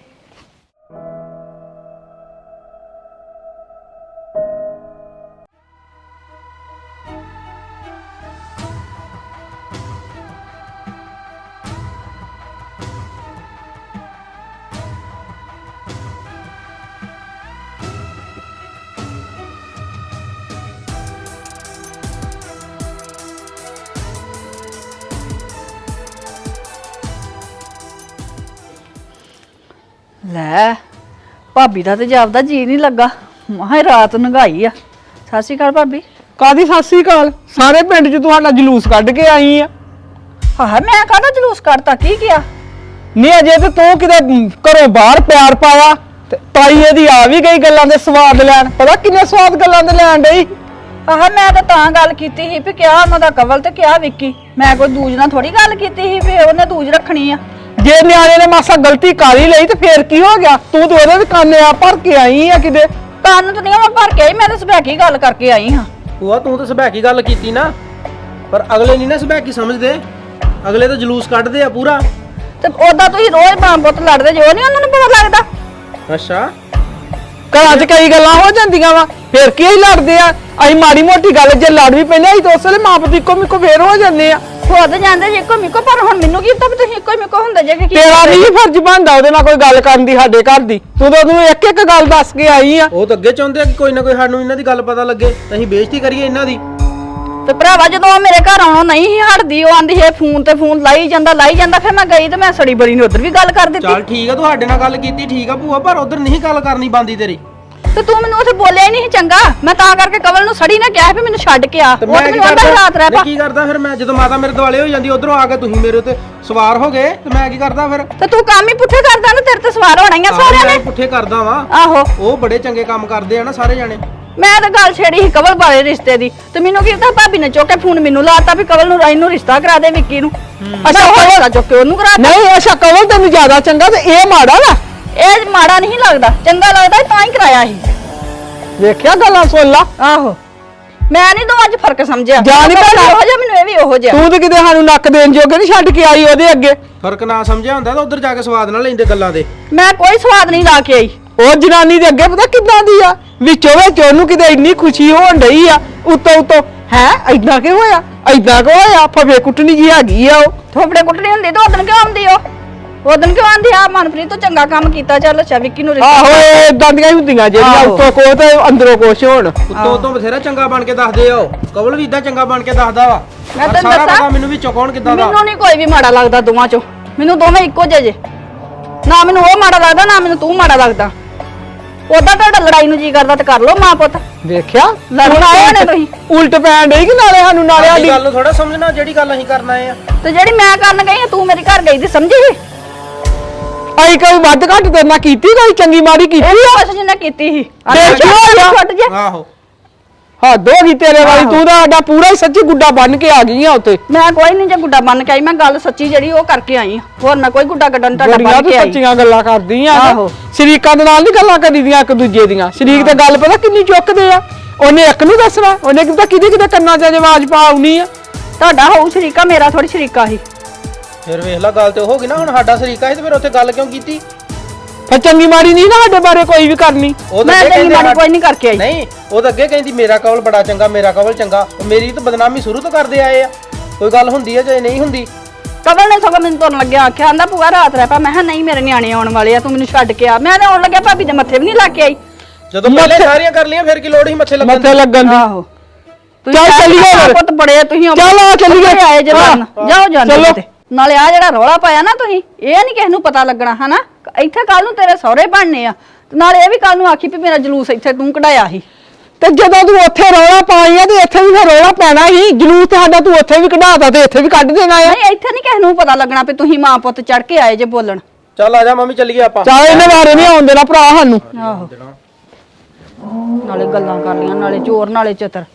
ਲੈ ਭਾਬੀ ਦਾ ਤੇ ਜਾਪਦਾ ਜੀ ਨਹੀਂ ਲੱਗਾ। ਮਾਹੇ ਰਾਤ ਨੰਗਾਈ ਆ। ਸਤਿ ਸ਼੍ਰੀ ਅਕਾਲ ਭਾਬੀ।
ਕਾਦੀ ਸਤਿ ਸ੍ਰੀ ਅਕਾਲ? ਸਾਰੇ ਪਿੰਡ 'ਚ ਤੁਹਾਡਾ ਜਲੂਸ ਕੱਢ ਕੇ ਆਈ ਆ।
ਹਾਂ ਮੈਂ ਕਾਹਦਾ ਜਲੂਸ ਕੱਢਤਾ, ਕੀ ਕਿਹਾ?
ਨਹੀਂ ਅਜੇ ਤੇ ਤੂੰ ਕਿਤੇ ਘਰੋਂ ਬਾਹਰ ਪਿਆਰ ਪਾਇਆ ਤੇ ਤਾਈ ਇਹਦੀ ਆ ਵੀ ਗਈ ਗੱਲਾਂ ਦੇ ਸਵਾਦ ਲੈਣ। ਪਤਾ ਕਿੰਨੇ ਸਵਾਦ ਗੱਲਾਂ ਦੇ ਲੈਣ ਡਈ।
ਆਹ ਮੈਂ ਤਾਂ ਗੱਲ ਕੀਤੀ ਸੀ ਵੀ ਕਿਹਾ ਉਹਨਾਂ ਦਾ ਕਵਲ ਤੇ ਕਿਹਾ ਵਿੱਕੀ। ਮੈਂ ਕੋਈ ਦੂਜ ਨਾਲ ਥੋੜੀ ਗੱਲ ਕੀਤੀ ਸੀ ਵੀ ਉਹਨੇ ਦੂਜ ਰੱਖਣੀ ਆ।
ਜੇ ਨਿਆਣੇ ਨੇ ਮਾਸਾ ਗਲਤੀ ਕਰ ਹੀ ਲਈ ਤੇ ਫੇਰ ਕੀ ਹੋ ਗਿਆ? ਤੂੰ ਤੇ ਉਹਦੇ ਵੀ ਕੰਨੇ ਆ ਭਰ ਕੇ ਆਈ ਆ ਕਿਤੇ।
ਕੰਨ ਤਾਂ ਨਹੀਂ ਮੈਂ ਭਰ ਕੇ ਆਈ, ਮੈਂ ਤਾਂ ਸਬੈਕੀ ਗੱਲ ਕਰਕੇ ਆਈ ਹਾਂ।
ਭੂਆ ਤੂੰ ਤਾਂ ਸਬੈਕੀ ਗੱਲ ਕੀਤੀ ਨਾ, ਪਰ ਅਗਲੇ ਨਹੀਂ ਨਾ ਸਬੈਕੀ ਸਮਝਦੇ। ਅਗਲੇ ਤਾਂ ਜਲੂਸ ਕੱਢਦੇ ਆ ਪੂਰਾ।
ਤੇ ਉਹਦਾ ਤੁਸੀਂ ਰੋਜ਼ ਮਾਂ ਪੁੱਤ ਲੜਦੇ ਜੋ ਨਹੀਂ ਉਹਨਾਂ ਨੂੰ ਪਤਾ ਲੱਗਦਾ।
ਅੱਛਾ
ਘਰਾਂ 'ਚ ਕਈ ਗੱਲਾਂ ਹੋ ਜਾਂਦੀਆਂ ਵਾ, ਫੇਰ ਕੀ ਹੀ ਲੜਦੇ ਆ। ਅਸੀਂ ਮਾੜੀ ਮੋਟੀ ਗੱਲ ਜੇ ਲੜ ਵੀ ਪੈਨੇ ਅਸੀਂ ਤਾਂ ਉਸ ਵੇਲੇ ਮਾਂ ਪੁੱਤ ਇੱਕੋ ਮਿੱਕੋ ਫੇਰ ਹੋ ਜਾਂਦੇ ਆ।
ਖੁਦ ਜਾਂਦੇ ਜੇ ਇੱਕੋ ਮਿੱਕੋ, ਪਰ ਹੁਣ ਮੈਨੂੰ ਕੀ ਪਤਾ ਵੀ ਤੁਸੀਂ ਇੱਕੋ ਮਿੱਕੋ ਹੁੰਦੇ ਜੇ ਕਿ
ਤੇਰਾ ਨਹੀਂ ਫਰਜ਼ ਬਣਦਾ ਉਹਦੇ ਨਾਲ ਕੋਈ ਗੱਲ ਕਰਨ ਦੀ ਸਾਡੇ ਘਰ ਦੀ। ਤੂੰ ਤਾਂ ਉਹਨੂੰ ਇੱਕ ਇੱਕ ਗੱਲ ਦੱਸ ਕੇ ਆਈ ਆ।
ਉਹ ਤਾਂ ਅੱਗੇ ਚਾਹੁੰਦੇ ਆ ਕਿ ਕੋਈ ਨਾ ਕੋਈ ਸਾਨੂੰ ਇਹਨਾਂ ਦੀ ਗੱਲ ਪਤਾ ਲੱਗੇ ਤਾਂ ਅਸੀਂ ਬੇਇੱਜ਼ਤੀ ਕਰੀਏ ਇਹਨਾਂ ਦੀ।
ਤੇ ਭਰਾਵਾ ਜਦੋਂ ਉਹ ਮੇਰੇ ਘਰ ਆਉਣੋਂ ਨਹੀਂ ਸੀ ਹਟਦੀ, ਉਹ ਆਂਦੀ ਹੈ ਫੋਨ ਤੇ ਫੋਨ ਲਾਈ ਜਾਂਦਾ। ਫਿਰ ਮੈਂ ਗਈ ਤੇ ਮੈਂ ਸੜੀ ਬੜੀ ਨੂੰ ਉਧਰ ਵੀ ਗੱਲ ਕਰ ਦਿੱਤੀ।
ਚੱਲ ਠੀਕ ਆ, ਤੁਹਾਡੇ ਨਾਲ ਗੱਲ ਕੀਤੀ ਠੀਕ ਆ ਭੂਆ, ਪਰ ਉਧਰ ਨਹੀਂ ਗੱਲ ਕਰਨੀ ਬੰਦੀ ਤੇਰੀ।
ਤੇ ਤੂੰ ਮੈਨੂੰ ਉੱਥੇ ਬੋਲਿਆ ਹੀ ਨਹੀਂ ਚੰਗਾ। ਮੈਂ ਤਾਂ ਕਰਕੇ ਕਵਲ ਨੂੰ ਸੜੀ ਨਾ ਕਿਹਾ ਵੀ ਮੈਨੂੰ ਛੱਡ ਕੇ ਆ।
ਤੇ
ਉਹ
ਮੈਂ
ਤੇ
ਕੀ
ਮੈਨੂੰ ਆਂਦਾ ਰਾਤ ਰਹਿ
ਕਰਦਾ?
ਪਾ।
ਕੀ ਕਰਦਾ ਫਿਰ ਮੈਂ? ਜਦੋਂ ਮਾਤਾ ਮੇਰੇ ਦੁਆਲੇ ਹੋ ਜਾਂਦੀ ਉਧਰੋਂ ਆ ਕੇ ਤੁਸੀਂ ਮੇਰੇ ਉੱਤੇ ਸਵਾਰ ਹੋ ਗਏ ਤੇ ਮੈਂ ਕੀ ਕਰਦਾ ਫਿਰ?
ਤੇ ਤੂੰ ਕੰਮ ਹੀ ਪੁੱਠੇ ਕਰਦਾ ਨਾ, ਤੇਰੇ ਤੇ ਸਵਾਰ ਹੋਣਾ ਹੀ ਆ ਸਾਰਿਆਂ ਨੇ।
ਪੁੱਠੇ ਕਰਦਾ ਵਾਂ।
ਆਹੋ
ਉਹ ਬੜੇ ਚੰਗੇ ਕੰਮ ਕਰਦੇ ਆ ਨਾ ਸਾਰੇ ਜਾਣੇ।
ਮੈਂ ਤਾਂ ਗੱਲ ਛੇੜੀ ਸੀ ਕਵਲ ਬਾਰੇ ਰਿਸ਼ਤੇ ਦੀ, ਤੇ ਮੈਨੂੰ ਕੀ ਪਤਾ ਭਾਬੀ ਨੇ ਚੁੱਕ ਕੇ ਫੋਨ ਮੈਨੂੰ ਲਾਤਾ ਵੀ ਕਵਲ ਨੂੰ ਰਾਈ ਨੂੰ ਰਿਸ਼ਤਾ ਕਰਾ ਦੇ ਵਿੱਕੀ ਨੂੰ। ਅੱਛਾ ਉਹ ਰਿਸ਼ਤਾ ਚੁੱਕ ਕੇ ਉਹਨੂੰ ਕਰਾਤਾ।
ਨਹੀਂ ਅੱਛਾ ਕਵਲ ਤੈਨੂੰ ਜ਼ਿਆਦਾ ਚੰਗਾ ਤੇ ਇਹ ਮਾੜਾ ਵਾ।
ਇਹ ਮਾੜਾ ਨਹੀਂ ਲੱਗਦਾ, ਚੰਗਾ ਲੱਗਦਾ ਤਾਂ ਹੀ ਕਰਾਇਆ ਸੀ।
ਵੇਖਿਆ ਗੱਲਾਂ ਸੁਣ ਲਾ।
ਆਹੋ ਮੈਂ ਨਹੀਂ ਦੋਵਾਂ 'ਚ ਫਰਕ ਸਮਝਿਆ।
ਜਾ ਨੀ ਭੈਣ।
ਉਹੋ ਜਿਹਾ ਮੈਨੂੰ ਇਹ ਵੀ ਉਹੋ ਜਿਹਾ।
ਤੂੰ ਤੇ ਕਿਤੇ ਸਾਨੂੰ ਨੱਕ ਦੇਣ ਜੋਗੇ ਨਹੀਂ ਛੱਡ ਕੇ ਆਈ ਉਹਦੇ ਅੱਗੇ।
ਫਰਕ ਨਾ ਸਮਝਿਆ ਹੁੰਦਾ ਤਾਂ ਉਧਰ ਜਾ ਕੇ ਸਵਾਦ ਨਾ ਲੈਂਦੇ ਗੱਲਾਂ ਦੇ।
ਮੈਂ ਕੋਈ ਸਵਾਦ ਨਹੀਂ ਲਾ ਕੇ ਆਈ।
ਉਹ ਜਨਾਨੀ ਦੇ ਅੱਗੇ ਪਤਾ ਕਿੱਦਾਂ ਦੀ ਆ, ਵਿੱਚੋਂ ਵਿੱਚ ਉਹਨੂੰ ਕਿਤੇ ਇੰਨੀ ਖੁਸ਼ੀ ਹੋਣ ਡਈ ਆ ਉੱਤੋਂ ਹੈ ਐਦਾਂ ਕਿ ਹੋਇਆ ਐਦਾਂ ਕਿ ਹੋਇਆ ਫਵੇ ਕੁੱਟਣੀ ਜੀ ਹੈਗੀ ਆ। ਉਹ
ਥੋਪੜੇ ਕੁੱਟਣੀ ਹੁੰਦੀ ਤਾਂ ਉਦੋਂ ਕਿਉਂ ਆਉਂਦੀ ਉਹ? ਉਦੋਂ ਕਿਉਂ ਆਂਦੀ ਆ ਮਨਪ੍ਰੀਤ ਤੂੰ ਚੰਗਾ ਕੰਮ ਕੀਤਾ, ਚੱਲ ਅੱਛਾ ਵਿੱਕੀ ਨੂੰ ਰਿਸ਼ਤਾ।
ਆਹੋ ਏਦਾਂ ਦੀਆਂ ਹੀ ਹੁੰਦੀਆਂ ਜਿਹੜੀਆਂ
ਆਹੋ।
ਉੱਤੋਂ ਕੋ ਤੇ ਅੰਦਰੋਂ ਕੁਛ ਹੋਣ।
ਉੱਤੋਂ ਬਥੇਰਾ ਚੰਗਾ ਬਣ ਕੇ ਦੱਸਦੇ ਆ। ਉਹ ਕਵਲ ਵੀ ਇਦਾਂ ਚੰਗਾ ਬਣ ਕੇ ਦੱਸਦਾ ਵਾ।
ਮੈਂ
ਪਰ
ਤੈਨੂੰ
ਸਾਰਾ
ਦੱਸਾਂ,
ਪਤਾ ਮੈਨੂੰ ਵੀ ਚੁਕਾਉਣ ਕਿੱਦਾਂ ਦਾ।
ਮੈਨੂੰ ਨਹੀਂ ਕੋਈ ਵੀ ਮਾੜਾ ਲੱਗਦਾ ਦੋਵਾਂ 'ਚੋਂ। ਮੈਨੂੰ ਦੋਵੇਂ ਇੱਕੋ ਜਿਹੇ ਜੇ। ਨਾ ਮੈਨੂੰ ਉਹ ਮਾੜਾ ਲੱਗਦਾ ਨਾ ਮੈਨੂੰ ਤੂੰ ਮਾੜਾ ਲੱਗਦਾ। ਉਦਾਂ ਤੁਹਾਡਾ ਲੜਾਈ ਨੂੰ ਜੀ ਕਰਦਾ ਤੇ ਕਰ ਲਓ ਮਾਂ ਪੁੱਤ।
ਵੇਖਿਆ
ਲੜਨ ਆਏ ਨੇ ਤੁਸੀਂ।
ਉਲਟ ਪੈਣ ਡਈ ਕਿ ਨਾਲੇ ਸਾਨੂੰ ਨਾਲੇ
ਸਾਡੀ
ਸਾਡੀ
ਗੱਲ ਨੂੰ ਥੋੜਾ ਸਮਝਣਾ ਜਿਹੜੀ ਗੱਲ ਅਸੀਂ ਕਰਨ ਆਏ ਆ।
ਤੇ ਜਿਹੜੀ ਮੈਂ ਕਰਨ ਗਈ ਆ ਤੂੰ ਮੇਰੇ ਘਰ ਗਈ ਦੀ ਸਮਝੀ?
ਅਸੀਂ ਕੋਈ ਵੱਧ ਘੱਟ ਤੇਰੇ ਨਾਲ ਕੀਤੀ ਕੋਈ ਚੰਗੀ ਮਾੜੀ ਕੀਤੀ ਆ?
ਕੁਛ ਜਿੰਨਾ ਕੀਤੀ ਸੀ।
ਫੇਰ ਕੀ ਹੋਇਆ?
ਛੁੱਟ ਜੇ।
ਆਹੋ
ਹੱਦ ਹੋ ਗਈ ਤੇਰੇ ਵਾਲੀ। ਤੂੰ ਤਾਂ ਸਾਡਾ ਪੂਰਾ ਹੀ ਸੱਚੀ ਗੁੱਡਾ ਬਣ ਕੇ ਆ ਗਈ ਆ ਉੱਤੇ।
ਮੈਂ ਕੋਈ ਨਹੀਂ ਜੇ ਗੁੱਡਾ ਬਣ ਕੇ ਆਈ, ਮੈਂ ਗੱਲ ਸੱਚੀ ਜਿਹੜੀ ਉਹ ਕਰਕੇ ਆਈ ਆ। ਹੋਰ ਮੈਂ ਕੋਈ ਗੁੱਡਾ ਗੱਡਣ ਤੁਹਾਡਾ
ਬੜੀਆਂ
ਬਣ
ਤੂੰ
ਕੇ ਆਈ।
ਸੱਚੀਆਂ ਗੱਲਾਂ ਕਰਦੀ ਆ।
ਆਹੋ।
ਸ਼ਰੀਕਾਂ ਦੇ ਨਾਲ ਨਹੀਂ ਗੱਲਾਂ ਕਰੀਦੀਆਂ ਇੱਕ ਦੂਜੇ ਦੀਆਂ। ਸ਼ਰੀਕ ਤੇ ਗੱਲ ਪਤਾ ਕਿੰਨੀ ਚੁੱਕਦੇ ਆ। ਉਹਨੇ ਇੱਕ ਨੂੰ ਦੱਸਣਾ, ਉਹਨੇ ਕਿਤੇ ਕਿਹਦੇ ਕੰਨਾਂ 'ਚ ਆਵਾਜ਼ ਪਾ ਆਉਣੀ ਆ।
ਤੁਹਾਡਾ ਹੋਊ ਸ਼ਰੀਕਾ, ਮੇਰਾ ਥੋੜੀ ਸ਼ਰੀਕਾ ਸੀ।
ਫਿਰ ਵੇਖ ਲੈ ਗੱਲ ਤੇ ਉਹ ਹੋ ਗਈ ਨਾ। ਹੁਣ ਸਾਡਾ ਸਰੀਕਾ ਸੀ ਤੇ ਫਿਰ ਉੱਥੇ ਗੱਲ ਕਿਉਂ ਕੀਤੀ?
ਫਿਰ ਚੰਗੀ ਮਾੜੀ ਨਹੀਂ ਨਾ ਸਾਡੇ ਬਾਰੇ ਕੋਈ ਵੀ ਕਰਨੀ।
ਉਹ ਤਾਂ
ਮੈਂ
ਅੱਗੇ
ਤੇਰੀ
ਕਹਿੰਦੇ
ਮਾੜੀ ਕੋਈ ਨਹੀਂ ਕਰਕੇ ਆਈ।
ਨਹੀਂ ਉਹ ਤਾਂ ਅੱਗੇ ਕਹਿੰਦੀ ਮੇਰਾ ਕਵਲ ਬੜਾ ਚੰਗਾ, ਮੇਰਾ ਕਵਲ ਚੰਗਾ। ਉਹ ਮੇਰੀ ਤਾਂ ਬਦਨਾਮੀ ਸ਼ੁਰੂ ਤੋਂ ਕਰਦੇ ਆਏ ਆ। ਕੋਈ ਗੱਲ ਹੁੰਦੀ ਹੈ ਜਾਂ ਨਹੀਂ ਹੁੰਦੀ।
ਕਵਲ ਨੇ ਸਗੋਂ ਮੈਨੂੰ ਤੁਰਨ ਲੱਗਿਆ ਆਖਿਆ, ਆਂਦਾ ਭੂਆ ਰਾਤ ਰਹਿ ਪਾ। ਮੈਂ ਕਿਹਾ ਨਹੀਂ ਮੇਰੇ ਨਿਆਣੇ ਆਉਣ ਵਾਲੇ ਆ, ਤੂੰ ਮੈਨੂੰ ਛੱਡ ਕੇ ਆ। ਮੈਂ ਤਾਂ ਆਉਣ ਲੱਗਿਆ ਭਾਬੀ ਦੇ ਮੱਥੇ ਵੀ ਨਹੀਂ ਲਾ ਕੇ ਆਈ।
ਜਦੋਂ ਪਹਿਲੇ ਸਾਰੀਆਂ ਕਰ ਲਈਆਂ ਫਿਰ ਕੀ ਲੋੜ ਸੀ ਮੱਥੇ ਲੱਗਣ
ਮੱਥੇ ਲੱਗਣ ਦੀ।
ਆਹੋ
ਚੱਲ ਚੱਲੀਏ ਫਿਰ।
ਪੁੱਤ ਬੜੇ ਤੁਸੀਂ
ਚੱਲ ਆ ਚੱਲੀਏ।
ਆਏ ਜੇ ਲੜਨ। ਜਾਓ ਜਾਂਦੇ
ਚਲੋ।
ਕਿਤੇ। ਨਾਲੇ ਆ ਜਿਹੜਾ ਰੌਲਾ ਪਾਇਆ ਨਾ ਤੁਸੀਂ, ਇਹ ਨਹੀਂ ਕਿਸੇ ਨੂੰ ਪਤਾ ਲੱਗਣਾ ਹਨਾ। ਇੱਥੇ ਕੱਲ ਨੂੰ ਤੇਰੇ ਸਹੁਰੇ ਬਣਨੇ ਆ, ਤੇ ਨਾਲੇ ਇਹ ਵੀ ਕੱਲ ਨੂੰ ਆਖੀ ਵੀ ਮੇਰਾ ਜਲੂਸ ਇੱਥੇ ਤੂੰ ਕਢਾਇਆ ਸੀ।
ਤੇ ਜਦੋਂ ਤੂੰ ਉੱਥੇ ਰੌਲਾ ਪਾਈ ਆ ਤੇ ਇੱਥੇ ਵੀ ਫਿਰ ਰੌਲਾ ਪੈਣਾ ਹੀ। ਜਲੂਸ ਤੇ ਸਾਡਾ ਤੂੰ ਉੱਥੇ ਵੀ ਕਢਾਤਾ ਤੇ ਇੱਥੇ ਵੀ ਕੱਢ ਦੇਣਾ ਆ।
ਨਹੀਂ ਇੱਥੇ ਨਹੀਂ ਕਿਸੇ ਨੂੰ ਪਤਾ ਲੱਗਣਾ ਵੀ ਤੁਸੀਂ ਮਾਂ ਪੁੱਤ ਚੜ ਕੇ ਆਏ ਜੇ ਬੋਲਣ।
ਚੱਲ ਆ ਜਾ ਮੰਮੀ ਚੱਲੀਏ ਆਪਾਂ।
ਚੱਲ ਇਹਨੇ ਬਾਰੇ ਨਹੀਂ ਆਉਣ ਦੇਣਾ ਭਰਾ ਸਾਨੂੰ।
ਆਹੋ ਨਾਲੇ ਗੱਲਾਂ ਕਰ ਲੀਆਂ, ਨਾਲੇ ਚੋਰ ਨਾਲੇ ਚਤਰ।